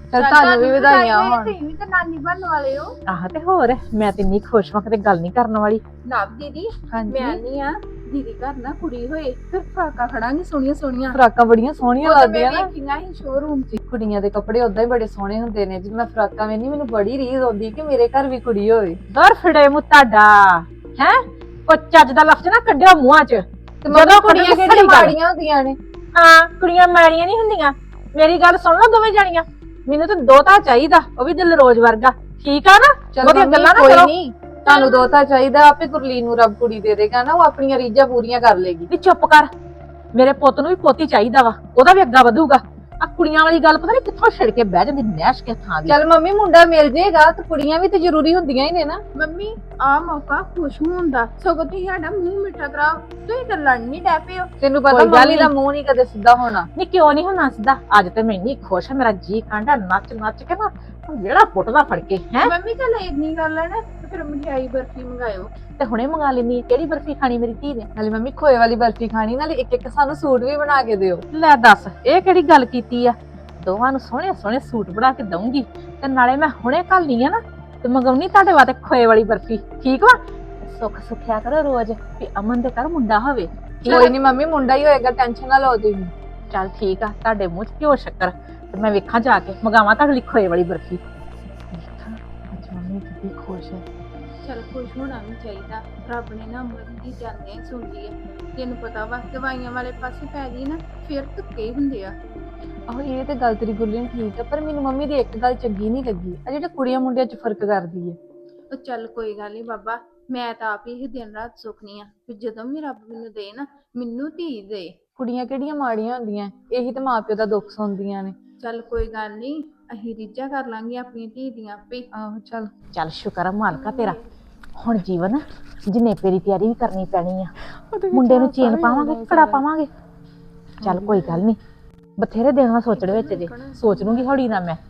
S3: ਚਲ ਤੁਹਾਨੂੰ ਵੀ ਵਧਾਈਆਂ ਹੋਣ ਤੁਸੀਂ ਵੀ ਤਾਂ ਨਾਨੀ ਬਣਨ ਵਾਲੇ ਹੋ
S7: ਆਹ ਤੇ ਹੋਰ ਮੈਂ ਤੇ ਇੰਨੀ ਖੁਸ਼ ਹਾਂ ਕਿਤੇ ਗੱਲ ਨਹੀਂ ਕਰਨ ਵਾਲੀ।
S3: ਨਵ ਦੀਦੀ
S7: ਹਾਂਜੀ
S3: ਮੈਂ ਨਹੀਂ ਆ ਦੀਦੀ ਘਰ ਨਾ ਕੁੜੀ ਹੋਏ ਫਿਰ ਫਰਾਕਾਂ ਖੜਾਂਗੇ ਸੋਹਣੀਆਂ ਸੋਹਣੀਆਂ
S7: ਫਰਾਕਾਂ ਬੜੀਆਂ ਸੋਹਣੀਆਂ
S3: ਉਹ ਤਾਂ
S7: ਲੱਗਦੀਆਂ
S3: ਮੈਂ
S7: ਨਾ।
S3: ਵੇਖੀਆਂ ਸੀ ਸ਼ੋਰੂਮ 'ਚ
S7: ਕੁੜੀਆਂ ਦੇ ਕੱਪੜੇ ਉਦਾਂ ਹੀ ਬੜੇ ਸੋਹਣੇ ਹੁੰਦੇ ਨੇ। ਜਦੋਂ ਮੈਂ ਫਰਾਕਾਂ ਵੇਖਦੀ ਮੈਨੂੰ ਬੜੀ ਰੀਝ ਆਉਂਦੀ ਕਿ ਮੇਰੇ ਘਰ ਵੀ ਕੁੜੀ ਹੋਵੇ। ਦਰ ਫੜੇ ਮੂੰਹ ਤੁਹਾਡਾ ਹੈ ਉਹ ਚੱਜ ਦਾ ਲਫ਼ਜ਼ ਨਾ ਕੱਢਿਓ ਮੂੰਹਾਂ 'ਚ।
S3: ਤੇ ਮਗਰ ਕੁੜੀਆਂ ਕਿਹੜੀਆਂ ਮਾੜੀਆਂ ਹੁੰਦੀਆਂ ਨੇ।
S7: ਹਾਂ ਕੁੜੀਆਂ ਮਾੜੀਆਂ ਨਹੀਂ ਹੁੰਦੀਆਂ। ਮੇਰੀ ਗੱਲ ਸੁਣ ਲਓ ਦੋਵੇਂ ਜਾਣੀਆਂ, ਮੈਨੂੰ ਤਾਂ ਦੋਤਾ ਚਾਹੀਦਾ ਉਹ ਵੀ ਦਿਲਰੋਜ਼ ਵਰਗਾ। ਠੀਕ ਆ ਨਾ? ਉਹਦੀਆਂ ਗੱਲਾਂ ਨਾ
S3: ਕੋਈ
S7: ਕਰੋ।
S3: ਨਹੀਂ ਤੁਹਾਨੂੰ ਦੋਤਾ ਚਾਹੀਦਾ ਆਪੇ ਗੁਰਲੀਨ ਨੂੰ ਰੱਬ ਕੁੜੀ ਦੇ ਦੇਗਾ ਨਾ ਉਹ ਆਪਣੀਆਂ ਰੀਝਾਂ ਪੂਰੀਆਂ ਕਰ ਲੇਗੀ।
S7: ਨੀ ਚੁੱਪ ਕਰ, ਮੇਰੇ ਪੁੱਤ ਨੂੰ ਵੀ ਪੋਤੀ ਚਾਹੀਦਾ ਵਾ, ਉਹਦਾ ਵੀ ਅੱਗਾ ਵਧੂਗਾ। ਆ ਕੁੜੀਆਂ ਵਾਲੀ ਗੱਲ ਪਤਾ ਨਹੀਂ ਕਿੱਥੋਂ ਛਿੜ ਕੇ ਬਹਿ ਜਾਂਦੀ ਨੈਸ਼ ਕੇ ਥਾਂ ਦੀ।
S3: ਚੱਲ ਮੰਮੀ ਮੁੰਡਾ ਮਿਲ ਜੇਗਾ ਤੇ ਕੁੜੀਆਂ ਵੀ ਤੇ ਜ਼ਰੂਰੀ ਹੁੰਦੀਆਂ ਹੀ ਨੇ ਨਾ। ਮੰਮੀ ਆ ਮੌਕਾ ਖੁਸ਼ ਹੋਣ ਦਾ ਸਗੋਂ ਤੁਸੀਂ ਸਾਡਾ ਮੂੰਹ ਮਿੱਠਾ ਕਰਾਓ। ਤੁਸੀਂ ਤਾਂ ਲੜਨ ਨਹੀਂ ਡੈ ਪਏ ਹੋ। ਤੈਨੂੰ ਪਤਾ
S7: ਕੋਈ ਗੱਲ
S3: ਮੰਮੀ ਦਾ
S7: ਨੀ।
S3: ਮੂੰਹ ਨਹੀਂ ਕਦੇ ਸਿੱਧਾ ਹੋਣਾ।
S7: ਨੀ ਕਿਉਂ ਨਹੀਂ ਹੁਣ ਨੱਚਦਾ? ਅੱਜ ਤੇ ਮੈਂ ਇੰਨੀ ਖੁਸ਼ ਆ, ਮੇਰਾ ਜੀ ਕਾਂਡਾ ਨੱਚ ਨੱਚ ਕੇ ਨਾ ਜਿਹੜਾ ਪੁੱਟਦਾ ਫੜ ਕੇ ਹੈ।
S3: ਮੰਮੀ ਚੱਲ ਇੰਨੀ ਗੱਲ ਹੈ ਨਾ ਤੇ ਫਿਰ ਮਠਿਆਈ ਬਰਫੀ ਮੰਗਾਇਓ।
S7: ਤੇ ਹੁਣੇ ਮੰਗਾ ਲੈਣੀ। ਕਿਹੜੀ ਬਰਫੀ ਖਾਣੀ ਮੇਰੀ ਧੀ ਨੇ?
S3: ਨਾਲੇ ਮੰਮੀ ਖੋਏ ਵਾਲੀ ਬਰਫੀ ਖਾਣੀ ਨਾਲੇ ਇੱਕ ਇੱਕ ਸਾਨੂੰ ਸੂਟ ਵੀ ਬਣਾ ਕੇ ਦਿਓ।
S7: ਲੈ ਦੱਸ ਇਹ ਕਿਹੜੀ ਗੱਲ ਕੀਤੀ ਆ? ਦੋਵਾਂ ਨੂੰ ਸੋਹਣੇ ਸੋਹਣੇ ਸੂਟ ਬਣਾ ਕੇ ਦਊਂਗੀ ਤੇ ਨਾਲੇ ਮੈਂ ਹੁਣੇ ਘੱਲਣੀ ਆ ਨਾ ਤੇ ਮੰਗਾਉਣੀ ਤੁਹਾਡੇ ਵਾਸਤੇ ਖੋਏ ਵਾਲੀ ਬਰਫੀ। ਠੀਕ ਵਾ? ਸੁੱਖ ਸੁਖਿਆ ਕਰੋ ਰੋਜ਼ ਵੀ ਅਮਨ ਦੇ ਘਰ ਮੁੰਡਾ ਹੋਵੇ।
S3: ਕੋਈ ਨਹੀਂ ਮੰਮੀ ਮੁੰਡਾ ਹੀ ਹੋਏਗਾ ਟੈਨਸ਼ਨ ਨਾ ਲਓ ਤੁਸੀਂ।
S7: ਚੱਲ ਠੀਕ ਆ, ਤੁਹਾਡੇ ਮੂੰਹ 'ਚ ਘਿਓ ਸ਼ੱਕਰ ਤੇ ਮੈਂ ਵੇਖਾਂ ਜਾ ਕੇ ਮੰਗਾਵਾਂ ਤੁਹਾਡੇ ਲਈ ਖੋਏ ਵਾਲੀ ਬਰਫੀ। ਵੇਖਾਂ ਅੱਜ ਮੰਮੀ ਕਿੰਨੀ ਖੁਸ਼ ਹੈ।
S3: ਚਲ ਖੁਸ਼ ਹੋਣਾ ਵੀ ਚਾਹੀਦਾ। ਰੱਬ ਨੇ ਨਾ ਅਮਨ ਦੀ ਜਾਂਦਿਆਂ ਸੁਣ ਲਈ ਹੈ। ਤੈਨੂੰ ਪਤਾ ਵਾ ਦਵਾਈਆਂ ਵਾਲੇ ਪਾਸੇ ਪੈ ਗਈ ਨਾ ਫਿਰ ਧੱਕੇ ਹੁੰਦੇ ਆ।
S7: ਆਹੋ ਇਹ ਤੇ ਗੱਲ ਤੇਰੀ ਗੁੱਲੀ ਠੀਕ ਆ, ਪਰ ਮੈਨੂੰ ਮੰਮੀ ਦੀ ਇੱਕ ਗੱਲ ਚੰਗੀ ਨਹੀਂ ਲੱਗੀ ਆ ਜਿਹੜੇ ਕੁੜੀਆਂ ਮੁੰਡਿਆਂ 'ਚ ਫਰਕ ਕਰਦੀ ਹੈ।
S3: ਉਹ ਚੱਲ ਕੋਈ ਗੱਲ ਨਹੀਂ ਬਾਬਾ ਮੈਂ ਤਾਂ ਆਪ ਹੀ ਦਿਨ ਰਾਤ ਸੁਖਨੀ ਆ ਕਿ ਜਦੋਂ ਵੀ ਰੱਬ ਮੈਨੂੰ ਦੇ ਨਾ ਮੈਨੂੰ ਧੀ ਦੇ।
S7: ਕੁੜੀਆਂ ਕਿਹੜੀਆਂ ਮਾੜੀਆਂ ਹੁੰਦੀਆਂ, ਇਹੀ ਤਾਂ ਮਾਪਿਓ ਦਾ ਦੁੱਖ ਸੁਣਦੀਆਂ ਨੇ।
S3: ਚੱਲ ਕੋਈ ਗੱਲ ਨਹੀਂ ਅਸੀਂ ਰੀਝਾਂ ਕਰ ਲਾਂਗੇ ਆਪਣੀ ਧੀ ਦੀਆਂ ਆਪੇ।
S7: ਆਹੋ ਚੱਲ ਚੱਲ ਸ਼ੁਕਰ ਆ ਮਾਲਕਾ ਤੇਰਾ। ਹੁਣ ਜੀਵਨ ਜਨੇਪੇ ਦੀ ਤਿਆਰੀ ਵੀ ਕਰਨੀ ਪੈਣੀ ਆ। ਮੁੰਡੇ ਨੂੰ ਚੇਨ ਪਾਵਾਂਗੇ ਕੜਾ ਪਾਵਾਂਗੇ। ਚੱਲ ਕੋਈ ਗੱਲ ਨਹੀਂ ਬਥੇਰੇ ਦਿਨ ਨਾਲ ਸੋਚਣ ਵਿੱਚ ਜੇ ਸੋਚ ਲੂੰਗੀ ਹੌਲੀ ਨਾ। ਮੈਂ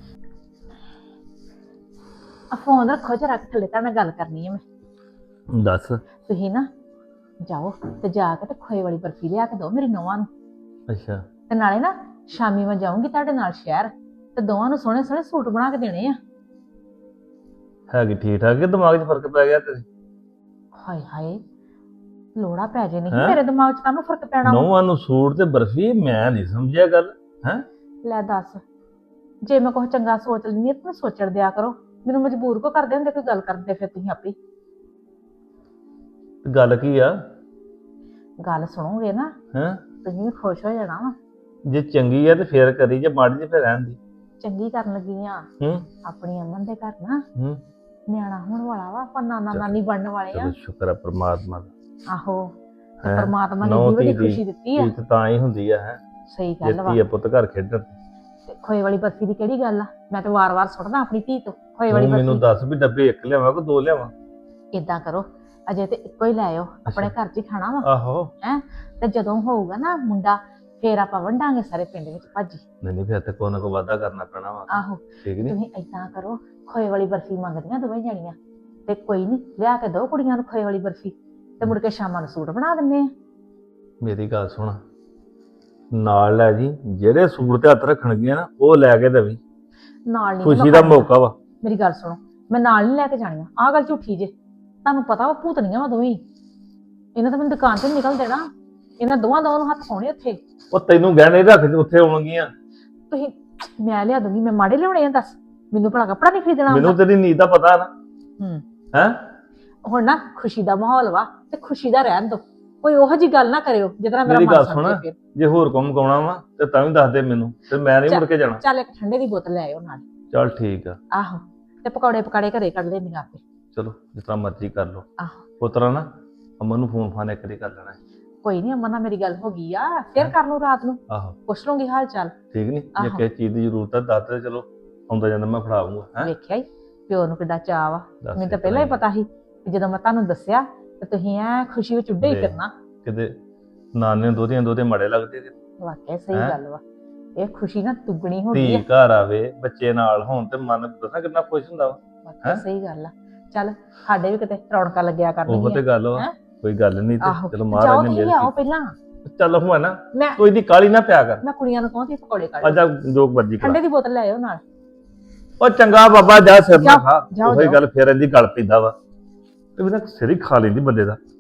S7: ਆ ਫੋਨ ਰੱਖੋ ਚ ਰੱਖ ਥੱਲੇ ਤਾਂ ਮੈਂ ਗੱਲ ਕਰਨੀ ਹੈ। ਮੈਂ
S8: ਦੱਸ।
S7: ਤੁਸੀਂ ਨਾ ਜਾਓ ਤੇ ਜਾ ਕੇ ਤੇ ਖੋਏ ਵਾਲੀ ਬਰਫੀ ਲਿਆ ਕੇ ਦਿਓ ਮੇਰੀ ਨੌਵਾਂ ਨੂੰ।
S8: ਅੱਛਾ
S7: ਤੇ ਨਾਲੇ ਨਾ ਸ਼ਾਮੀ ਮੈਂ ਜਾਊਂਗੀ ਤੁਹਾਡੇ ਨਾਲ ਸ਼ਹਿਰ ਤੇ ਦੋਵਾਂ ਨੂੰ ਸੋਹਣੇ ਸੋਹਣੇ ਸੂਟ ਬਣਾ ਕੇ ਦੇਣੇ ਆ।
S8: ਹੈਗੀ ਠੀਕ ਠਾਕ ਕਿ ਦਿਮਾਗ 'ਚ ਫਰਕ ਪੈ ਗਿਆ ਤੇਰੇ?
S7: ਹਾਏ ਹਾਏ ਲੋੜਾ ਪੈ ਜੇ ਨਹੀਂ
S8: ਹੈਂ?
S7: ਮੇਰੇ ਦਿਮਾਗ 'ਚ ਕਾਹਨੂੰ ਫਰਕ ਪੈਣਾ ਵਾ?
S8: ਨੌਵਾਂ ਨੂੰ ਸੂਟ ਤੇ ਬਰਫੀ ਮੈਂ ਨਹੀਂ ਸਮਝਿਆ ਗੱਲ। ਹੈ
S7: ਲੈ ਦੱਸ ਜੇ ਮੈਂ ਕੁਝ ਚੰਗਾ ਸੋਚ ਲੈਂਦੀ ਤਾਂ ਸੋਚਣ ਦਿਆ ਕਰੋ। ਮੈਨੂੰ ਮਜਬੂਰ ਕੋ ਕਰਦੇ ਹੁੰਦੇ ਕੋਈ ਗੱਲ ਕਰਦੇ ਫਿਰ ਤੁਸੀਂ ਆਪੇ।
S8: ਗੱਲ ਕੀ ਆ?
S7: ਗੱਲ ਸੁਣੋਗੇ ਨਾ
S8: ਹੈ
S7: ਤੁਸੀਂ ਵੀ ਖੁਸ਼ ਹੋ ਜਾਣਾ ਵਾ।
S8: ਜੇ ਚੰਗੀ ਆ ਤੇ ਫੇਰ ਕਰੀ, ਜੇ ਮਾੜੀ ਤੇ ਫੇਰ ਰਹਿਣ ਦੀ।
S7: ਚੰਗੀ ਕਰਨ ਲੱਗੀ ਆ
S8: ਹੂੰ
S7: ਆਪਣੀ ਅਮਨ ਦੇ ਘਰ ਨਾ
S8: ਹੂੰ
S7: ਨਿਆਣਾ ਹੋਣ ਵਾਲਾ ਵਾ। ਆਪਾਂ ਨਾਨਾ
S8: ਚੱਲ।
S7: ਨਾਨੀ ਬਣਨ ਵਾਲੇ ਆ।
S8: ਚਲੋ ਸ਼ੁਕਰ ਆ ਪਰਮਾਤਮਾ ਦਾ।
S7: ਆਹੋ ਤੇ
S8: ਹੈਂ?
S7: ਪਰਮਾਤਮਾ ਨੇ
S8: ਨੌਂ
S7: ਇੰਨੀ ਵੱਡੀ
S8: ਧੀ ਦੀ
S7: ਖੁਸ਼ੀ ਦਿੱਤੀ ਆ।
S8: ਇਹ ਤਾਂ ਹੀ ਹੁੰਦੀ ਆ। ਹੈ
S7: ਸਹੀ ਗੱਲ ਵਾ।
S8: ਜਿੱਤੀ ਆ ਪੁੱਤ ਘਰ ਖੇਡਣ।
S7: ਤੇ ਖੋਏ ਵਾਲੀ ਬਰਫੀ ਦੀ ਕਿਹੜੀ ਗੱਲ ਆ? ਮੈਂ ਤਾਂ ਵਾਰ-ਵਾਰ ਸੁਣਦਾ ਆਪਣੀ ਧੀ ਤੋਂ ਖੋਏ ਵਾਲੀ
S8: ਤੂੰ ਮੈਨੂੰ
S7: ਬਰਫੀ।
S8: ਦੱਸ ਵੀ ਡੱਬੇ ਇੱਕ ਲਿਆਵਾਂ ਕਿ ਦੋ ਲਿਆਵਾਂ?
S7: ਏਦਾਂ ਕਰੋ ਅਜੇ ਤੇ ਇੱਕੋ ਹੀ ਲੈ ਆਓ, ਆਪਣੇ ਘਰ 'ਚ ਹੀ ਖਾਣਾ ਵਾ।
S8: ਆਹੋ
S7: ਤੇ ਜਦੋਂ ਹੋਊਗਾ ਨਾ ਮੁੰਡਾ ਫੇਰ ਆਪਾਂ ਵੰਡਾਂਗੇ ਸਾਰੇ ਪਿੰਡ ਵਿੱਚ ਭਾਜੀ।
S8: ਨਹੀਂ ਨਹੀਂ ਫਿਰ ਤੇ ਕੋਈ ਨਾ ਕੋਈ ਵਾਧਾ ਕਰਨਾ ਪੈਣਾ ਵਾ।
S7: ਆਹੋ
S8: ਠੀਕ ਨਹੀਂ?
S7: ਤੁਸੀਂ ਏਦਾਂ ਕਰੋ ਖੋਏ ਵਾਲੀ ਬਰਫੀ ਮੰਗਦੀਆਂ ਦੋਵੇਂ ਜਣੀਆਂ ਤੇ ਕੋਈ ਨਹੀਂ ਲਿਆ ਕੇ ਦੋ ਕੁੜੀਆਂ ਨੂੰ ਖੋਏ ਵਾਲੀ ਬਰਫੀ ਤੇ ਮੁੜ ਕੇ ਸ਼ਾਮਾਂ ਨੂੰ ਸੂਟ ਬਣਾ ਦਿੰਦੇ ਆ।
S8: ਮੇਰੀ ਗੱਲ ਸੁਣ, ਨਾਲ ਲੈ ਜੀ ਜਿਹੜੇ ਸੂਟ ਤੇ ਹੱਥ ਰੱਖਣਗੀਆਂ ਨਾ ਉਹ ਲੈ ਕੇ ਦੇਵੀਂ।
S7: ਨਾਲ ਨਹੀਂ
S8: ਖੁਸ਼ੀ ਦਾ ਮੌਕਾ ਵਾ।
S7: ਮੇਰੀ ਗੱਲ ਸੁਣੋ ਮੈਂ ਨਾਲ ਨਹੀਂ ਲੈ ਕੇ ਜਾਣੀਆਂ। ਆਹ ਗੱਲ ਝੂਠੀ ਜੇ। ਤੁਹਾਨੂੰ ਪਤਾ ਵਾ ਭੂਤਨੀਆਂ ਵਾ ਦੋਵੇਂ ਹੀ। ਇਹਨਾਂ ਤਾਂ ਮੈਨੂੰ ਦੁਕਾਨ ਤੇ ਨਿਕਲ ਦੇਣਾ। ਇਹਨਾਂ ਦੋਵਾਂ ਦੋਵਾਂ ਨੂੰ ਹੱਥ ਪਾਉਣੇ ਉੱਥੇ।
S8: ਉਹ ਤੈਨੂੰ ਗਹਿਣੇ ਰੱਖ ਕੇ ਉੱਥੇ ਆਉਣਗੀਆਂ।
S7: ਤੁਸੀਂ ਮੈਂ ਲਿਆ ਦੂੰਗੀ। ਮੈਂ ਮਾੜੇ ਲਿਆਉਣੇ ਆ ਦੱਸ? ਮੈਨੂੰ ਭਲਾ ਕੱਪੜਾ ਨਹੀਂ ਖਰੀਦਣਾ ਆਉਂਦਾ?
S8: ਮੈਨੂੰ ਤੇਰੀ ਨੀਤ ਦਾ ਪਤਾ ਨਾ।
S7: ਹੂੰ
S8: ਹੈ
S7: ਹੁਣ ਨਾ ਖੁਸ਼ੀ ਦਾ ਮਾਹੌਲ ਵਾ ਤੇ ਖੁਸ਼ੀ ਦਾ ਰਹਿਣ ਦੋ। ਕੋਈ ਉਹੋ ਜੀ ਗੱਲ ਨਾ ਕਰਿਓ ਜਿਹਦੇ ਨਾਲ ਮੇਰਾ
S8: ਮੇਰੀ
S7: ਮਨ
S8: ਗੱਲ
S7: ਸੜ
S8: ਸੁਣ,
S7: ਜਾਏ ਫਿਰ।
S8: ਜੇ ਹੋਰ ਕੰਮ ਕਾਉਣਾ ਵਾ ਤੇ ਤਾਂ ਵੀ ਦੱਸ ਦੇ ਮੈਨੂੰ ਤੇ ਮੈਂ ਨਹੀਂ ਮੁੜ ਕੇ ਜਾਣਾ।
S7: ਚੱਲ ਇੱਕ ਠੰਡੇ ਦੀ ਬੋਤਲ ਲੈ ਆਇਓ ਨਾਲ।
S8: ਚੱਲ ਠੀਕ ਆ।
S7: ਆਹੋ ਤੇ ਪਕੌੜੇ ਪਕਾੜੇ ਘਰੇ ਕੱਢ ਲੈਂਦੀਆਂ ਆਪੇ।
S8: ਚਲੋ ਜਿਸ ਤਰ੍ਹਾਂ ਮਰਜ਼ੀ ਕਰ ਲਓ।
S7: ਆਹੋ
S8: ਪੁੱਤਰਾ ਨਾ ਅਮਨ ਨੂੰ ਫੋਨ ਫਾਨ ਇੱਕ ਵਾਰੀ ਕਰ ਲੈਣਾ।
S7: ਕੋਈ ਨਹੀਂ ਅਮਨ ਨਾਲ ਮੇਰੀ ਗੱਲ ਹੋ ਗਈ ਆ। ਫਿਰ ਕਰ ਲੂ ਰਾਤ ਨੂੰ
S8: ਆਹੋ
S7: ਪੁੱਛ ਲੂੰਗੀ ਹਾਲ ਚਾਲ।
S8: ਠੀਕ ਨਹੀਂ? ਜੇ
S7: ਆਹੋ।
S8: ਕਿਸੇ ਚੀਜ਼ ਦੀ ਜ਼ਰੂਰਤ ਆ ਦੱਸ ਦੇ, ਚਲੋ ਆਉਂਦਾ ਜਾਂਦਾ ਮੈਂ ਫੜਾਉਂਗਾ। ਹੈ
S7: ਵੇਖਿਆ ਹੀ ਪਿਓ ਨੂੰ ਕਿੱਡਾ ਚਾਅ ਵਾ।
S8: ਦੱਸ
S7: ਮੈਨੂੰ ਤਾਂ
S8: ਇੱਕ
S7: ਪਹਿਲਾਂ ਹੀ
S8: ਵਾਰੀ।
S7: ਪਤਾ ਸੀ ਕਿ ਜਦੋਂ ਮੈਂ ਤੁਹਾਨੂੰ ਦੱਸਿਆ ਤੇ ਤੁਸੀਂ ਐ ਖੁਸ਼ੀ ਵਿੱਚ ਉੱਡੇ ਹੀ
S8: ਦੇ।
S7: ਫਿਰਨਾ।
S8: ਕਿਤੇ ਨਾਨੇ ਦੋਧੀਆਂ ਦੋਧੇ ਮਾੜੇ ਲੱਗਦੇ ਤੇ
S7: ਵਾਕਿਆ ਸਹੀ
S8: ਹੈਂ?
S7: ਗੱਲ ਵਾ। ਇਹ ਖੁਸ਼ੀ ਨਾ ਦੁੱਗਣੀ ਹੋ ਗਈ
S8: ਧੀ
S7: ਆ।
S8: ਘਰ ਆਵੇ ਬੱਚੇ ਨਾਲ ਹੋਣ ਤੇ ਮਨ ਦੱਸਾਂ ਕਿੰਨਾ ਖੁਸ਼ ਹੁੰਦਾ ਵਾ।
S7: ਵਾਕਿਆ
S8: ਹੈਂ?
S7: ਸਹੀ ਗੱਲ ਆ। ਚੱਲ ਸਾਡੇ ਵੀ ਕਿਤੇ ਰੌਣਕਾਂ ਲੱਗਿਆ
S8: ਉਹ ਤੇ
S7: ਕਰਨਗੀਆਂ।
S8: ਗੱਲ ਵਾ।
S7: ਹੈਂ?
S8: ਕੋਈ ਗੱਲ ਨਹੀਂ
S7: ਆਹੋ
S8: ਤੇ ਚਲੋ
S7: ਜਾਓ
S8: ਮਹਾਰਾਜ ਨੇ
S7: ਤੁਸੀਂ
S8: ਮਿਹਰ
S7: ਲਿਆਓ
S8: ਕੀਤੀ।
S7: ਪਹਿਲਾਂ।
S8: ਚੱਲ ਹੁਣ ਨਾ
S7: ਮੈਂ
S8: ਤੂੰ ਇਹਦੀ ਕਾਲੀ ਨਾ ਪਿਆ ਕਰ।
S7: ਮੈਂ ਕੁੜੀਆਂ ਨੂੰ ਕਹਾਂ ਤੇ ਪਕੌੜੇ ਕੱਢ
S8: ਅੱਜ ਜੋ ਮਰਜ਼ੀ ਕਰ।
S7: ਠੰਡੇ ਦੀ ਬੋਤਲ ਲੈ ਆਇਓ ਨਾਲ।
S8: ਉਹ ਚੰਗਾ ਬਾਬਾ ਜਾ ਸਿਰ ਨਾ
S7: ਜਾਓ,
S8: ਖਾ
S7: ਜਾਓ,
S8: ਉਹੀ
S7: ਜਾਓ।
S8: ਗੱਲ ਫੇਰ ਇਹਦੀ ਗੱਲ ਪੈਂਦਾ ਵਾ ਤੇ ਉਹਦਾ ਸਿਰ ਹੀ ਖਾ ਲੈਂਦੀ ਬੰਦੇ ਦਾ